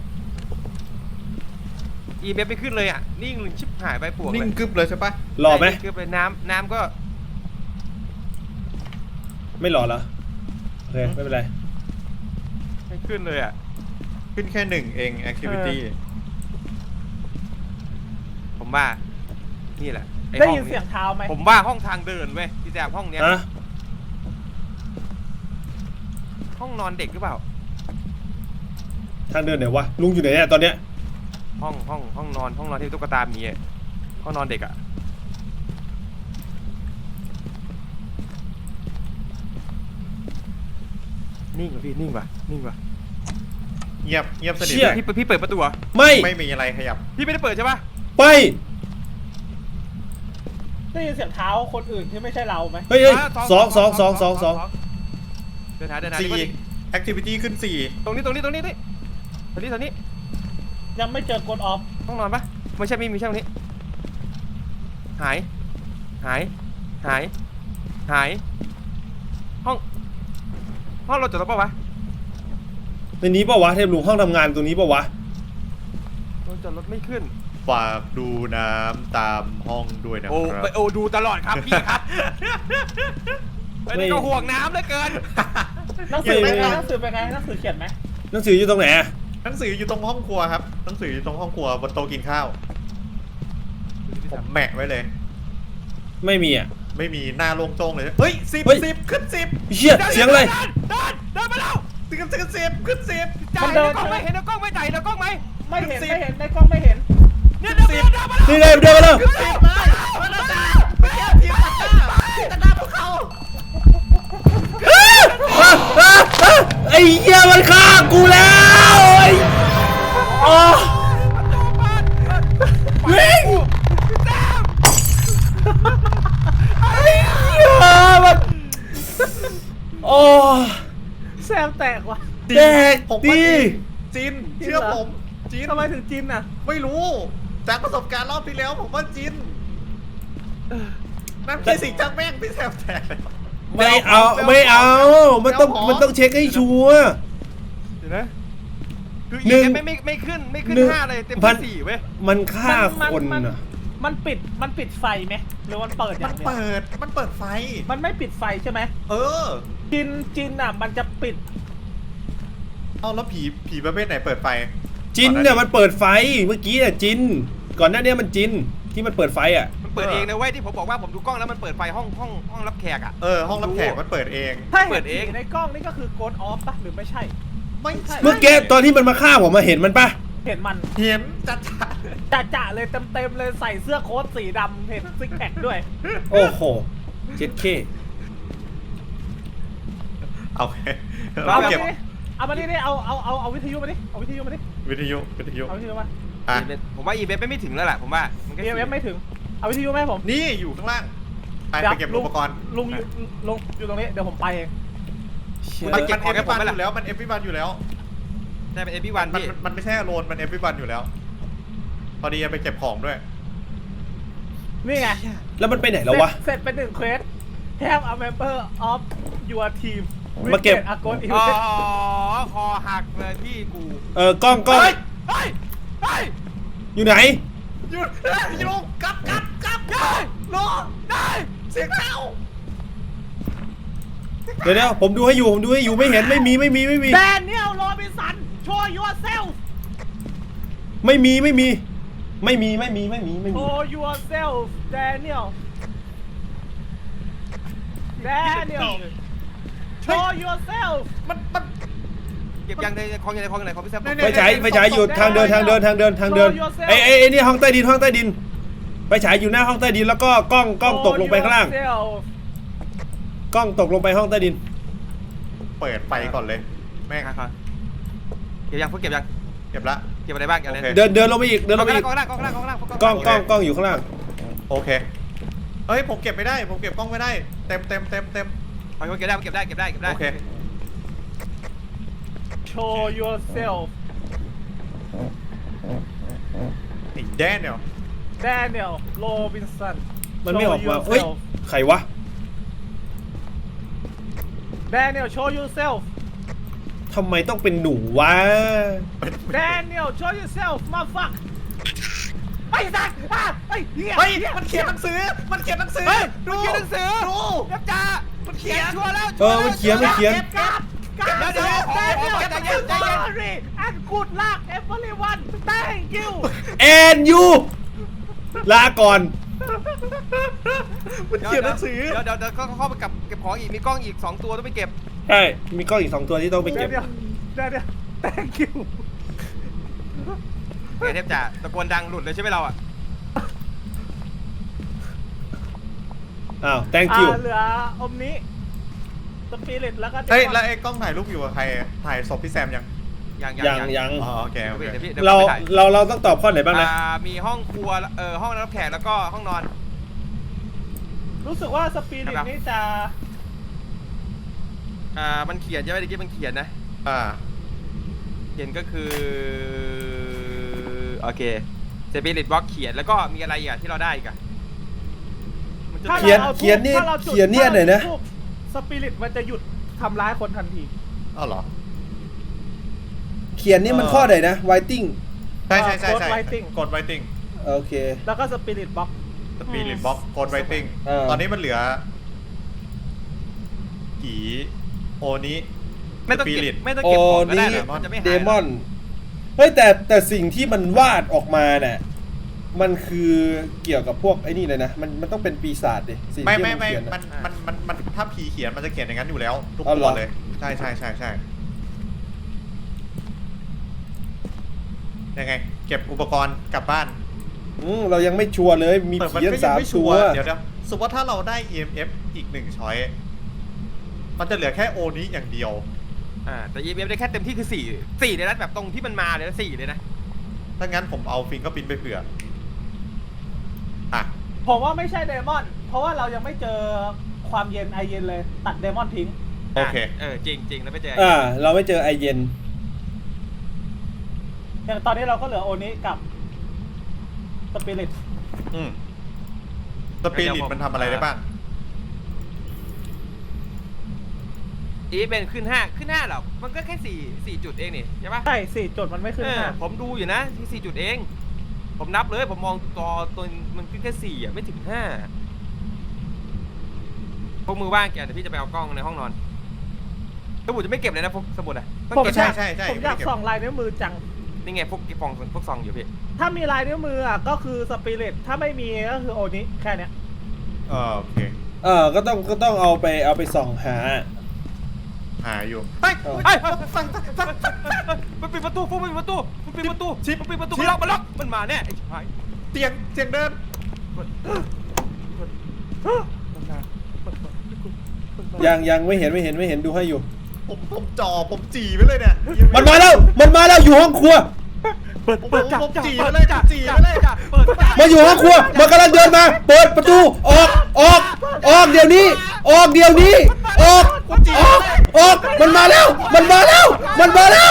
[SPEAKER 2] อีเมลไม่ขึ้นเลยอ่ะนิ่งชิบหายไปปวก
[SPEAKER 4] นิ่
[SPEAKER 2] เล
[SPEAKER 4] ง
[SPEAKER 2] ย
[SPEAKER 4] กึบเลยใช่ปะ
[SPEAKER 3] หล่อไหม
[SPEAKER 2] คือเป็นน้ำน้ำก็
[SPEAKER 3] ไม่หล่อเหรอโอเคไม่เป็นไร
[SPEAKER 2] ไม่ขึ้นเลยอ่ะ
[SPEAKER 4] ขึ้นแค่หนึ่งเอง activity
[SPEAKER 2] ผมว่านี่แหละอ้
[SPEAKER 1] ได้
[SPEAKER 2] ห้อ
[SPEAKER 1] ยินเสียงเท้าไหม
[SPEAKER 2] ผมว่าห้องทางเดินเว้ยพี่แซมห้องเนี้ย
[SPEAKER 3] ฮะ
[SPEAKER 2] ห้องนอนเด็กหรือเปล่า
[SPEAKER 3] ทางเดินไหนวะลุงอยู่ไหนเนี่ยตอนเนี้ย
[SPEAKER 2] ห้องห้องห้องนอนห้องนอนที่ตุ๊กตามีอะห้องนอนเด็กอ่ะนิ่งว่ะพี่นิ่งว่ะนิ่งว่ะ
[SPEAKER 4] เงียบเงียบสนิท
[SPEAKER 3] เชี่ย
[SPEAKER 4] เลย
[SPEAKER 2] พี่พี่เปิดประตูเหรอ
[SPEAKER 3] ไม่
[SPEAKER 4] ไม่มีอะไรขยับ
[SPEAKER 2] พี่ไม่ได้เปิดใช่ปะ
[SPEAKER 3] ไป
[SPEAKER 1] ได้ยินเสียงเท้าคนอื่นที่ไม่ใช่เราไหม
[SPEAKER 3] เฮ้ยเฮ้ยสองสองสองสองสอง
[SPEAKER 2] เดินหาเดินหา
[SPEAKER 4] สี่
[SPEAKER 2] ดิ
[SPEAKER 4] activity ขึ้นสี่
[SPEAKER 2] ตรงนี้ตรงนี้ตรงนี้นี่ตรงนี้ตรงนี้
[SPEAKER 1] ยังไม่เจอกดออฟ
[SPEAKER 2] ห้องนอนปะไม่ใช่ไม่มีใช่ตรงนี้หายหายหายหายห้องห้องเราจดแล้วปะวะ
[SPEAKER 3] ในนี้ปะวะเทพลุงห้องทำงานตรงนี้ปะวะ
[SPEAKER 2] เราจดรถไม่ขึ้น
[SPEAKER 4] ฝากดูน้ำตามห้องด้วยนะค
[SPEAKER 2] โอ้
[SPEAKER 4] รับ
[SPEAKER 2] ไปโอ้ดูตลอดครับพี่ครับไอ้นี่ก็ห่วงน้ำเหลือเกิน
[SPEAKER 1] หนังสือเป็นไงหนังสือเป็นไงหนังสือเขียนไหม
[SPEAKER 3] หนังสืออยู่ตรงไหนอะ
[SPEAKER 4] หนังสืออยู่ตรงห้องครัวครับหนังสืออยู่ตรงห้องครัวบนโต๊ะกินข้าวผมแหมะไว้เลย
[SPEAKER 3] ไม่มีอะ
[SPEAKER 4] ไม่มีหน้าโล่งโจ้งเลยเฮ้ยสิบ
[SPEAKER 3] เฮ้ย
[SPEAKER 4] สิบขึ้นสิบ
[SPEAKER 3] เชี่ยเสียงอะไร
[SPEAKER 2] เดินเดินมาแล้ว
[SPEAKER 4] ขึ้นขึ้นสิบขึ้นสิบ
[SPEAKER 2] จ่ายในกล้องไหมเห็นในกล้องไหมจ่ายในกล้องไหม
[SPEAKER 1] ไม่เห็นไม่เห็นในกล้องไม่เห็น
[SPEAKER 2] เนี่ยเดินเดินเดินมาแล้ว
[SPEAKER 3] นี่ไงเดินมาแล้ว
[SPEAKER 4] ขึ้นสิบมามาแล้วจ้าไม่แค่ทีมตัดหน้าทีมตัดหน้าพวกเขา
[SPEAKER 3] อ่ะอ่ะอ่ะไอ้เหี้ยมันฆ่ากูแล้วไอ้อ๋อวิ่งไอ้เหี้ยมันโอ้
[SPEAKER 1] แซมแตกว่ะ
[SPEAKER 3] แดก
[SPEAKER 4] ผมว่า
[SPEAKER 3] ดี
[SPEAKER 4] จีนเชื่อผมจีน
[SPEAKER 1] ทำไมถึงจินอ่ะ
[SPEAKER 4] ไม่รู้จากประสบการณ์รอบที่แล้วผมว่าจีนนั่นพี่สิงห์จังแม่งพี่แซมแตกเลย
[SPEAKER 3] ไม่เอาไม่เอา มันต้องมันต้องเช็คให้ชัวร์
[SPEAKER 2] เดี๋ยวนะคือ
[SPEAKER 3] หนึ่
[SPEAKER 2] อี
[SPEAKER 3] ง
[SPEAKER 2] ไม่ไม่ไม่ขึ้นไม่ขึ้น
[SPEAKER 3] หนึ่ง
[SPEAKER 2] ห้าเลยเต็ม
[SPEAKER 3] พั
[SPEAKER 2] ที่
[SPEAKER 3] น
[SPEAKER 2] สี่เว้ย
[SPEAKER 3] มันฆ่าคน
[SPEAKER 1] มั
[SPEAKER 3] อ่ะ
[SPEAKER 1] มันปิดมันปิดมันปิดไฟไหมหรือมันเปิดอ
[SPEAKER 4] มั
[SPEAKER 1] ย่าน งเดียว
[SPEAKER 4] เปิดมันเปิดไฟ
[SPEAKER 1] มันไม่ปิดไฟใช่ไหม
[SPEAKER 4] เออ
[SPEAKER 1] จินจินอ่ะมันจะปิด
[SPEAKER 4] เอาแล้วผีผีประเภทไหนเปิดไฟ
[SPEAKER 3] จินเนี่ยมันเปิดไฟเมื่อกี้อ่ะจิน ก่อนหน้านี้มันจินที่มันเปิดไฟอ่ะ
[SPEAKER 2] มันเปิดเองนะเว้ยที่ผมบอกว่าผมดูกล้องแล้วมันเปิดไฟห้องห้องห้องรับแขกอ่ะ
[SPEAKER 4] เออห้องรับแขกมันเปิดเอง
[SPEAKER 1] ถ้า
[SPEAKER 2] เปิ
[SPEAKER 1] เห็
[SPEAKER 2] ด
[SPEAKER 1] น
[SPEAKER 2] เอง
[SPEAKER 1] ผีในกล้องนี่ก็คือโกดออฟปะหรือไม่ใช่
[SPEAKER 4] ไม่ใช่
[SPEAKER 3] เมื่อกี้ตอนที่มันมาฆ่าผมมาเห็นมันปะ
[SPEAKER 1] เห็นมัน
[SPEAKER 4] เห็นจัดจ้า
[SPEAKER 1] จ่าจ่าเลยเต็มเต็มๆเลยใส่เสื้อโค้ทสีดำเห็นซิกแพคด้วย
[SPEAKER 3] โอ้โหเจ็ดเค
[SPEAKER 4] โอเค
[SPEAKER 1] เอา
[SPEAKER 4] เรา
[SPEAKER 1] มา
[SPEAKER 4] เก็บ
[SPEAKER 1] ดิเอามาดิดิเอาเอาเอาเอาวิทยุมาดิเอาวิทยุมาดิ
[SPEAKER 4] วิทยุวิทยุ
[SPEAKER 1] เอาวิทยุมา
[SPEAKER 4] อ่ะ
[SPEAKER 2] ผมว่าอีเวนต์ไม่ถึงแล้วแหละผมว่ามันก็
[SPEAKER 1] เอเอฟไม่ถึงเอาวิทยุมาให้ผม
[SPEAKER 4] นี่อยู่ข้างล่างไป
[SPEAKER 1] ดี๋ยว
[SPEAKER 4] ไปเก็บอุปกรณ์
[SPEAKER 1] ลุงอยู่ลุงอยู่ตรงนี้เดี๋ยวผมไปเอง
[SPEAKER 4] มันมันเอฟวีวันอยู่แล้วมันเอฟวีวันอยู่แล้ว
[SPEAKER 2] ใช่เป็นเอพีวัน
[SPEAKER 4] มัน
[SPEAKER 2] พี่
[SPEAKER 4] มันไม่ใช่โลนมันเอฟวีวันอยู่แล้ว พอดีจะไปเก็บของด้วย
[SPEAKER 1] นี่ไง
[SPEAKER 3] แล้วมันไปไหนแล้ววะ
[SPEAKER 1] เสร็จเป็นหนึ่งเควส Have a member of your team
[SPEAKER 3] มาเก็บ
[SPEAKER 1] อากอนอี
[SPEAKER 2] อ๋อ
[SPEAKER 1] เวน
[SPEAKER 2] คอหักเลยพี่กู
[SPEAKER 3] เออกล้องกล้อง
[SPEAKER 4] เฮ้ย
[SPEAKER 2] เฮ้ยเฮ้ย
[SPEAKER 3] อยู่ไหน
[SPEAKER 4] หยุดเฮ้ยลงกลับกลับกลับได้ลงได้เสียงเท้า
[SPEAKER 3] เดี๋ยวเดี๋ยวผมดูให้อยู่ผมดูให้อยู่ไม่เห็นไม่มีไม่มีไม่มี
[SPEAKER 1] แดเนียลโรบินสัน show yourself
[SPEAKER 3] ไม่มีไม่มี ไม่มีไม่มีไม่มีไม่มี
[SPEAKER 1] show yourself Daniel Daniel show yourself
[SPEAKER 4] มันมัน
[SPEAKER 2] เก็บยังในคลองยังในคลองยังในคลองพี่แซม
[SPEAKER 3] ไฟฉายไฟฉายอยู่ทางเดินทางเดินทางเดินทางเดินไอ้ไอ้ไอ้นี่ห้องใต้ดินห้องใต้ดินไฟฉายอยู่หน้าห้องใต้ดินแล้วก็กล้องกล้องตกลงไปข้างล่าง
[SPEAKER 1] Show yourself
[SPEAKER 3] กล้องตกลงไปห้องใต้ดิน
[SPEAKER 4] เปิดไฟก่อนเลย แม่ง
[SPEAKER 2] ครับเก็บยังพวกเก็บยัง
[SPEAKER 4] เก็บละ
[SPEAKER 2] เก็บอะไรบ้างเก็บอะไร
[SPEAKER 4] โอเค
[SPEAKER 3] เดินเดินลงไปอีกเดิน
[SPEAKER 2] ก
[SPEAKER 3] ล
[SPEAKER 2] ล้อง
[SPEAKER 3] งไปอีก
[SPEAKER 2] กล้องล่างกล้องล่างกล้องล่าง
[SPEAKER 3] กล้องกล้องกล้องอยู่ข้างล่าง
[SPEAKER 4] โอเคเฮ้ยผมเก็บไม่ได้ ผมเก็บกล้องไม่ได้ เต็มเต็มเต็มเต็ม
[SPEAKER 2] เก็บได้เก็บได้เก็บได้เก็บได้
[SPEAKER 4] โอเค
[SPEAKER 1] show yourself
[SPEAKER 4] ไอ้แดนเนี่ย
[SPEAKER 1] Daniel Robinson
[SPEAKER 3] มันไม่ออกมา
[SPEAKER 1] Show
[SPEAKER 3] เฮ้ย
[SPEAKER 1] yourself
[SPEAKER 3] ใครวะ
[SPEAKER 1] Daniel show yourself
[SPEAKER 3] ทำไมต้องเป็นหนูวะ
[SPEAKER 1] Daniel show yourself มาฟักไอ้สัตว์อ่ะไอ้เหี้ย
[SPEAKER 4] เฮ้ยมันเขียนหนังสือ มันเขียนหนังสือ
[SPEAKER 2] เฮ้ย
[SPEAKER 4] ดู
[SPEAKER 2] มันเขียนหนังสือ
[SPEAKER 4] ดู
[SPEAKER 2] เก็บจ้ามันเขียนชัวร์แล้ว
[SPEAKER 3] เออมันเขียนมันเขียน
[SPEAKER 1] กลับกลับ
[SPEAKER 2] เดี๋ยวเดี๋ยว
[SPEAKER 1] Daniel
[SPEAKER 2] ขอใจเย็นใจเย็น
[SPEAKER 1] sorry and good luck everyone thank you
[SPEAKER 3] แอนยูลาก่อน
[SPEAKER 4] มันเขียนหนังสือ
[SPEAKER 2] เดี๋ยวเดี๋ยวเดี๋ยวเขาเข้าไปกับเก็บของอีกมีกล้องอีกสองตัวต้องไปเก็บ
[SPEAKER 3] ใช่มีกล้องอีกสองตัวที่ต้องไปเก็บ
[SPEAKER 1] Daniel Daniel thank you
[SPEAKER 2] เฮ้ยเทพจ่าตะโกนดังหลุดเลยใช่ไหมเราอ่ะ
[SPEAKER 3] อ้าว thank you
[SPEAKER 1] อ่าเหลืออมนี้สปิริตแล้วก็
[SPEAKER 4] เฮ้ยแล้วไอ้กล้องถ่ายรูปอยู่กับใคร ถ่ายศพพี่แซมยัง
[SPEAKER 2] ยัง
[SPEAKER 3] ยังยัง
[SPEAKER 4] อ๋อโอเค
[SPEAKER 2] เดี๋ย
[SPEAKER 4] โอ
[SPEAKER 2] ว
[SPEAKER 4] เค
[SPEAKER 2] พี่เดี๋ยวพี่
[SPEAKER 3] เรา
[SPEAKER 2] ไปถ่าย
[SPEAKER 3] เราเราต้องตอบข้อไหนบ้างนะ
[SPEAKER 2] อ่ามีห้องครัวเอ่อห้องรับแขกแล้วก็ห้องนอน
[SPEAKER 1] รู้สึกว่าสปิริต
[SPEAKER 2] ครับ
[SPEAKER 1] นี่จะ
[SPEAKER 2] อ่ามันเขียนใช่ไหมเมื่อกี้มันเขียนนะ
[SPEAKER 4] อ่า
[SPEAKER 2] เขียนก็คือโอเคเซปิริตบล็อกเขียนแล้วก็มีอะไรอีกอะที่เราได้อีกอะมันจะ
[SPEAKER 1] ถ้า
[SPEAKER 3] เขียน
[SPEAKER 1] ราอา
[SPEAKER 3] เขียนนี่
[SPEAKER 1] ถ้าราจุด
[SPEAKER 3] เขียนเนี่ยไหนนะ
[SPEAKER 1] ถ้าเราจุดสปิริตมันจะหยุดทำร้ายคนทันที
[SPEAKER 4] อ้าวเหรอ
[SPEAKER 3] เขียนนี่มันข้อไหนนะ writing
[SPEAKER 4] ใช่ใช่ใช่ใช่
[SPEAKER 1] กด writing
[SPEAKER 4] กดไวติ้ง
[SPEAKER 3] โอเค
[SPEAKER 1] แล้วก็สปิริตบ็อก
[SPEAKER 4] สปีริตบ็อกกดไวติ้ง
[SPEAKER 3] เออ
[SPEAKER 4] ตอนนี้มันเหลือกี่โอนี้
[SPEAKER 2] ไม่ต้อง
[SPEAKER 4] สปิ
[SPEAKER 2] เก็
[SPEAKER 4] ริ
[SPEAKER 2] บ
[SPEAKER 4] ต
[SPEAKER 2] ไม่ต้อง
[SPEAKER 3] โอ้
[SPEAKER 2] เก็บของก็ได้
[SPEAKER 3] นี่
[SPEAKER 2] นะมันจะไม่หาย
[SPEAKER 3] เดมอน เฮ้ยแต่แต่สิ่งที่มันวาดออกมาเนี่ยมันคือเกี่ยวกับพวกไอ้นี่เลยนะ มันมันต้องเป็นปีศาจดิสิ่ง
[SPEAKER 4] ไม่
[SPEAKER 3] ที่
[SPEAKER 4] ไม่
[SPEAKER 3] มัน
[SPEAKER 4] ไม่
[SPEAKER 3] เขียน
[SPEAKER 4] มั
[SPEAKER 3] อะ
[SPEAKER 4] นมันมันมันถ้าผีเขียนมันจะเขียนอย่างนั้นอยู่แล้ว ทุก
[SPEAKER 3] อ๋อเหร
[SPEAKER 4] ตัว
[SPEAKER 3] อ
[SPEAKER 4] เลย ใช่ใช่ใช่ใช่ยังไง เก็บอุปกรณ์กลับบ้าน
[SPEAKER 3] อืมเรายังไม่ชัวร์เลยมี
[SPEAKER 4] แต่มัน
[SPEAKER 3] ผี
[SPEAKER 4] ก็
[SPEAKER 3] ทั้ง
[SPEAKER 4] ยั
[SPEAKER 3] สาม
[SPEAKER 4] ไม่ชั
[SPEAKER 3] ตัว
[SPEAKER 4] ร์เดี๋ยวเดี๋ยวสมมติว่าถ้าเราได้ อี เอ็ม เอฟ อีกหนึ่งช้อยมันจะเหลือแค่โอนี้อย่างเดียว
[SPEAKER 2] อ่าแต่ อี เอ็ม เอฟ ได้แค่เต็มที่คือสี่สี่เลยนะแบบตรงที่มันมาเลยนะสี่เลยนะ
[SPEAKER 4] ถ้างั้นผมเอาฟิงก็ปินไปเผื่ออ่ะ
[SPEAKER 1] ผมว่าไม่ใช่เดมอน เพราะว่าเรายังไม่เจอความเย็นไอเย็นเลย ตัดเดมอนทิ้ง
[SPEAKER 4] โอเค
[SPEAKER 2] เออจริงจริงแล้วไม่เจอ
[SPEAKER 3] อ่า เราไม่เจอไอเย็น
[SPEAKER 1] อย่างตอนนี้เราก็เหลือโอนี้กับสปิริต
[SPEAKER 4] อืมสปิริตมันทำอะไรได้บ้าง
[SPEAKER 2] อีเป็นขึ้นห้าขึ้นห้าหรอมันก็แค่สี่สี่จุดเองนี่ใช่ปะ
[SPEAKER 1] ใช่สี่จุดมันไม่ขึ้น
[SPEAKER 2] เออ
[SPEAKER 1] ห้า
[SPEAKER 2] ผมดูอยู่นะที่สี่จุดเอง ผมนับเลยผมมองตัวตัวมันขึ้นแค่สี่อ่ะไม่ถึงห้าพวกมือว่างแกเดี๋ยวพี่จะไปเอากล้องในห้องนอนสมุดจะไม่เก็บเลยนะพวกสมุดอ่ะต้อง
[SPEAKER 1] ผม
[SPEAKER 2] เก็บ
[SPEAKER 1] อยาก
[SPEAKER 4] ใช่ใช่
[SPEAKER 1] ผมอยากส่องลายนิ้วมือจัง
[SPEAKER 2] นี่ไงพวกฟองพวกซองอยู่พี่
[SPEAKER 1] ถ้ามีลายนิ้วมืออ่ะก็คือสปิริต ถ้าไม่มีก็คือโอนี้แค่เนี้ย
[SPEAKER 4] เออโอเค
[SPEAKER 3] เออก็ต้องก็ต้องเอาไปเอาไปส่องหา
[SPEAKER 4] หาอยู่เฮ้ย
[SPEAKER 3] เออ
[SPEAKER 2] ไอ้มันปิดประตูพวกมันปิดประตูมันปิดประตู
[SPEAKER 4] ชิป
[SPEAKER 2] มันปิดประตู
[SPEAKER 4] ชิป
[SPEAKER 2] มันล็อกมันล็อกมันมาแน่ไอ้ชาย
[SPEAKER 4] เตียงเตียงเดิน
[SPEAKER 3] ยังยังไม่เห็นไม่เห็นไม่เห็นดูให้อยู่
[SPEAKER 4] ผมผมจ่อผมจีไปเลยเนี่ย
[SPEAKER 3] มันมาแล้ว มันมาแล้วอยู่ห้องครัว
[SPEAKER 2] เปิด
[SPEAKER 4] ผม
[SPEAKER 2] เปิดจ้า
[SPEAKER 4] ผม
[SPEAKER 2] จ้า
[SPEAKER 4] จีไป
[SPEAKER 2] เปิด
[SPEAKER 4] เลย
[SPEAKER 2] จ้า
[SPEAKER 4] จีไปเลย
[SPEAKER 2] จ้าเปิดจ้า
[SPEAKER 3] มาอยู่ห้องครัว มันกำลังเดินมา เปิดประตู ออก ออก ออกเดี๋ยวนี้ ออกเดี๋ยวนี้ ออก ออก ออก มันมาแล้ว มันมาแล้ว มันมาแล้ว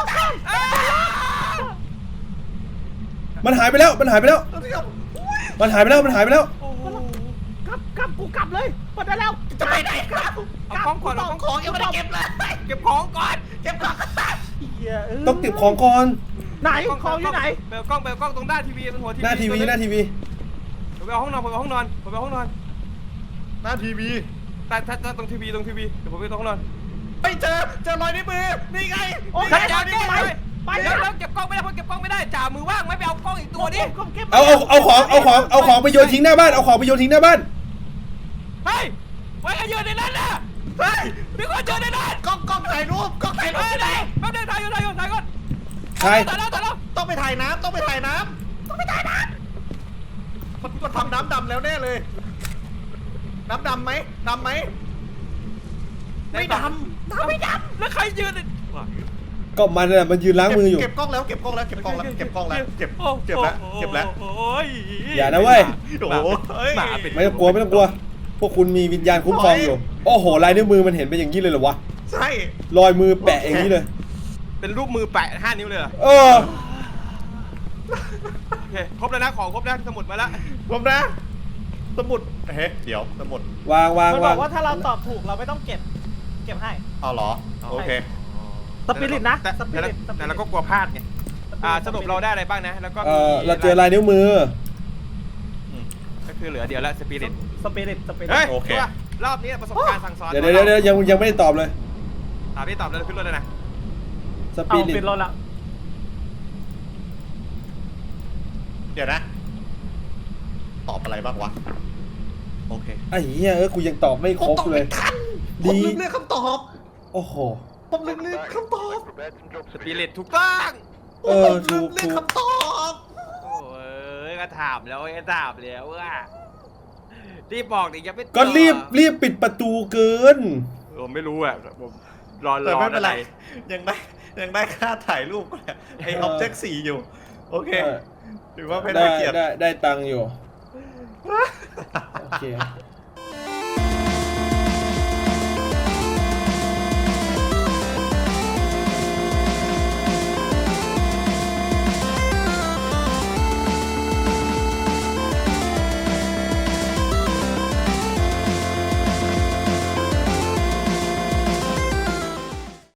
[SPEAKER 3] มันหายไปแล้ว มันหายไปแล้ว มันหายไปแล้ว มันหายไปแล้ว
[SPEAKER 2] โอ้โห
[SPEAKER 1] กลับกลับกูกลับเลยหมดแล้ว
[SPEAKER 2] จะไปไหนครับเอาของก่อนเอาของยังไม่ได้เก็บเลยเก็บของก่อนเก็บของ
[SPEAKER 1] เหี้ยเ
[SPEAKER 3] ต้องเก็บของก่อน
[SPEAKER 1] ไหนของอยู่ไหน
[SPEAKER 2] เบลกล้องเบลกล้องตรงหน้าทีวีมันหัวทีวี
[SPEAKER 3] หน้าทีวี หน้าทีวี
[SPEAKER 2] ผมไปเอาห้องนอนผมไปเอาห้องนอนผมไปเอาห้องนอน
[SPEAKER 4] หน้าทีวี
[SPEAKER 2] แต่ถ้าถ้าตรงทีวีตรงทีวีเดี๋ยวผมไปตรงห้องนอน
[SPEAKER 4] ไปเจอเจอรอยนิ้วมือนี่ไง
[SPEAKER 1] โอ้ย
[SPEAKER 2] เดี๋ยวเดี๋ยว
[SPEAKER 1] ไป
[SPEAKER 2] เดี๋ยว
[SPEAKER 1] ไป
[SPEAKER 2] เดี๋ยวเก็บกล้องไม่ได้เพราะเก็บกล้องไม่ได้จ่ามือว่างไม่ไปเอากล้องอีกตัวดิ
[SPEAKER 1] ผมเก็บ
[SPEAKER 3] เอาเอาเอาของ เอาของ เอาของไปโยนทิ้งหน้าบ้าน เอาของไปโยนทิ้งหน้าบ้าน
[SPEAKER 2] เฮ้ยไว้กันยืนในนั้นนะ
[SPEAKER 4] เฮ้ย
[SPEAKER 2] มีคนยืนในนั้น
[SPEAKER 4] กล้องกล้องถ่ายรูปกล้องถ่ายรู
[SPEAKER 2] เฮ้
[SPEAKER 4] ป
[SPEAKER 2] ยไหนแป๊บนึงถ่ายอยู่ถ่ายอยู่ถ่ายก่อน
[SPEAKER 3] ใช่
[SPEAKER 2] ถ่ายแล้วถ่ายแล้ว
[SPEAKER 4] ต้องไปถ่ายน้ำต้องไปถ่ายน้ำต้องไปถ่ายน้ำมันมันทำน้ำดำแล้วแน่เลย น้ำดำไหมดำไหมไม่ดำน้ำไม่ดำ
[SPEAKER 2] แล้วใครยืน
[SPEAKER 3] ก็มันน่ะมันยืนล้างมืออยู่
[SPEAKER 4] เก็บกล้องแล้วเก็บกล้องแล้วเก็บกล้องแล้วเก็บกล้องแล้วเก็บเก็บแล้วเก็บแล้ว
[SPEAKER 2] โอ้ย
[SPEAKER 3] อย่านะเว้ย
[SPEAKER 4] โอ้โหเฮ้ย
[SPEAKER 2] หมาเป็น
[SPEAKER 3] ไม่ต้องกลัวไม่ต้องกลัว พวกคุณมีวิญญาณคุ้มครองอยู่ โอ้โห ลายนิ้วมือมันเห็นเป็นอย่างนี้เลยเหรอวะ
[SPEAKER 4] ใช่
[SPEAKER 3] รอยมือแปะอย่างนี้เลย
[SPEAKER 2] เป็นรูปมือแปะห้านิ้วเลยเหรอ
[SPEAKER 3] เออ
[SPEAKER 2] โอเคครบแล้วนะของครบแล้วสมุดมาแล้ว
[SPEAKER 4] ผมนะ สมุดเฮ้ยเดี๋ยวสมุด
[SPEAKER 3] วางวาง
[SPEAKER 1] มันบ
[SPEAKER 3] วา
[SPEAKER 1] อง กว่าถ้าเราตอบถูกเราไม่ต้องเก็บ เก็บให้
[SPEAKER 4] เอาเหรอโอเค
[SPEAKER 1] สปิริตนะ
[SPEAKER 2] แต่
[SPEAKER 1] สปิ
[SPEAKER 2] แต่
[SPEAKER 1] ริตสปิริต
[SPEAKER 2] แต่เราก็กลัวพลาดไงอ่าสรุปเราได้อะไรบ้างนะแล้วก็
[SPEAKER 3] เออเราเจอลายนิ้วมือ
[SPEAKER 2] ก็คือเหลือเดียวแล้วสปิริต
[SPEAKER 1] สปิริตสปิริต
[SPEAKER 2] เฮ้ย
[SPEAKER 4] โอเค
[SPEAKER 2] รอบนี้ประสบการณ์สั่งสอน
[SPEAKER 3] เดี๋ยวเดี๋ยวเดี๋ยวยังยังไม่ได้ตอบเลย
[SPEAKER 2] ถามพี่ตอบแล้วขึ้นรถเลยนะ
[SPEAKER 3] ส
[SPEAKER 1] เอา
[SPEAKER 3] ปีริ
[SPEAKER 1] ปิ
[SPEAKER 3] ต
[SPEAKER 1] ดรถละ
[SPEAKER 4] เดี๋ยวนะ ตอบอะไรบ้างวะ โอเค
[SPEAKER 3] ไอ้เหี้ยเออกูยังตอบไม่ครบเลย
[SPEAKER 4] ผม
[SPEAKER 3] ดี
[SPEAKER 4] ลืมเลือกคำตอบ
[SPEAKER 3] โอ้โห
[SPEAKER 4] ผมลืมเลือกคำตอบ
[SPEAKER 2] สปิริตถูกต้อง
[SPEAKER 3] เออ
[SPEAKER 4] ผมลืม
[SPEAKER 3] ถูก
[SPEAKER 4] เลือก
[SPEAKER 3] ถูก
[SPEAKER 4] คำตอบ
[SPEAKER 2] โอ้ยก็ถามแล้วก็ถามแล้วว่ารีบบอกดิยังไม่ตอบ
[SPEAKER 3] ก็รีบรีบปิดประตูเกิน
[SPEAKER 2] ผมไม่รู้อ่ะผมรอร
[SPEAKER 4] แต่
[SPEAKER 2] อ
[SPEAKER 4] ไม่เป็นไร
[SPEAKER 2] อะ
[SPEAKER 4] ยังได้ยังได้ค่าถ่ายรูปเนี่ยไอ
[SPEAKER 3] เออ
[SPEAKER 4] ออบเจกต์สี่อยู่ โอเค
[SPEAKER 3] เออ
[SPEAKER 4] ถือว่าไม่
[SPEAKER 3] ได้
[SPEAKER 4] ได้เกียรติ
[SPEAKER 3] ได้ได้ตังค์อยู่ โอเค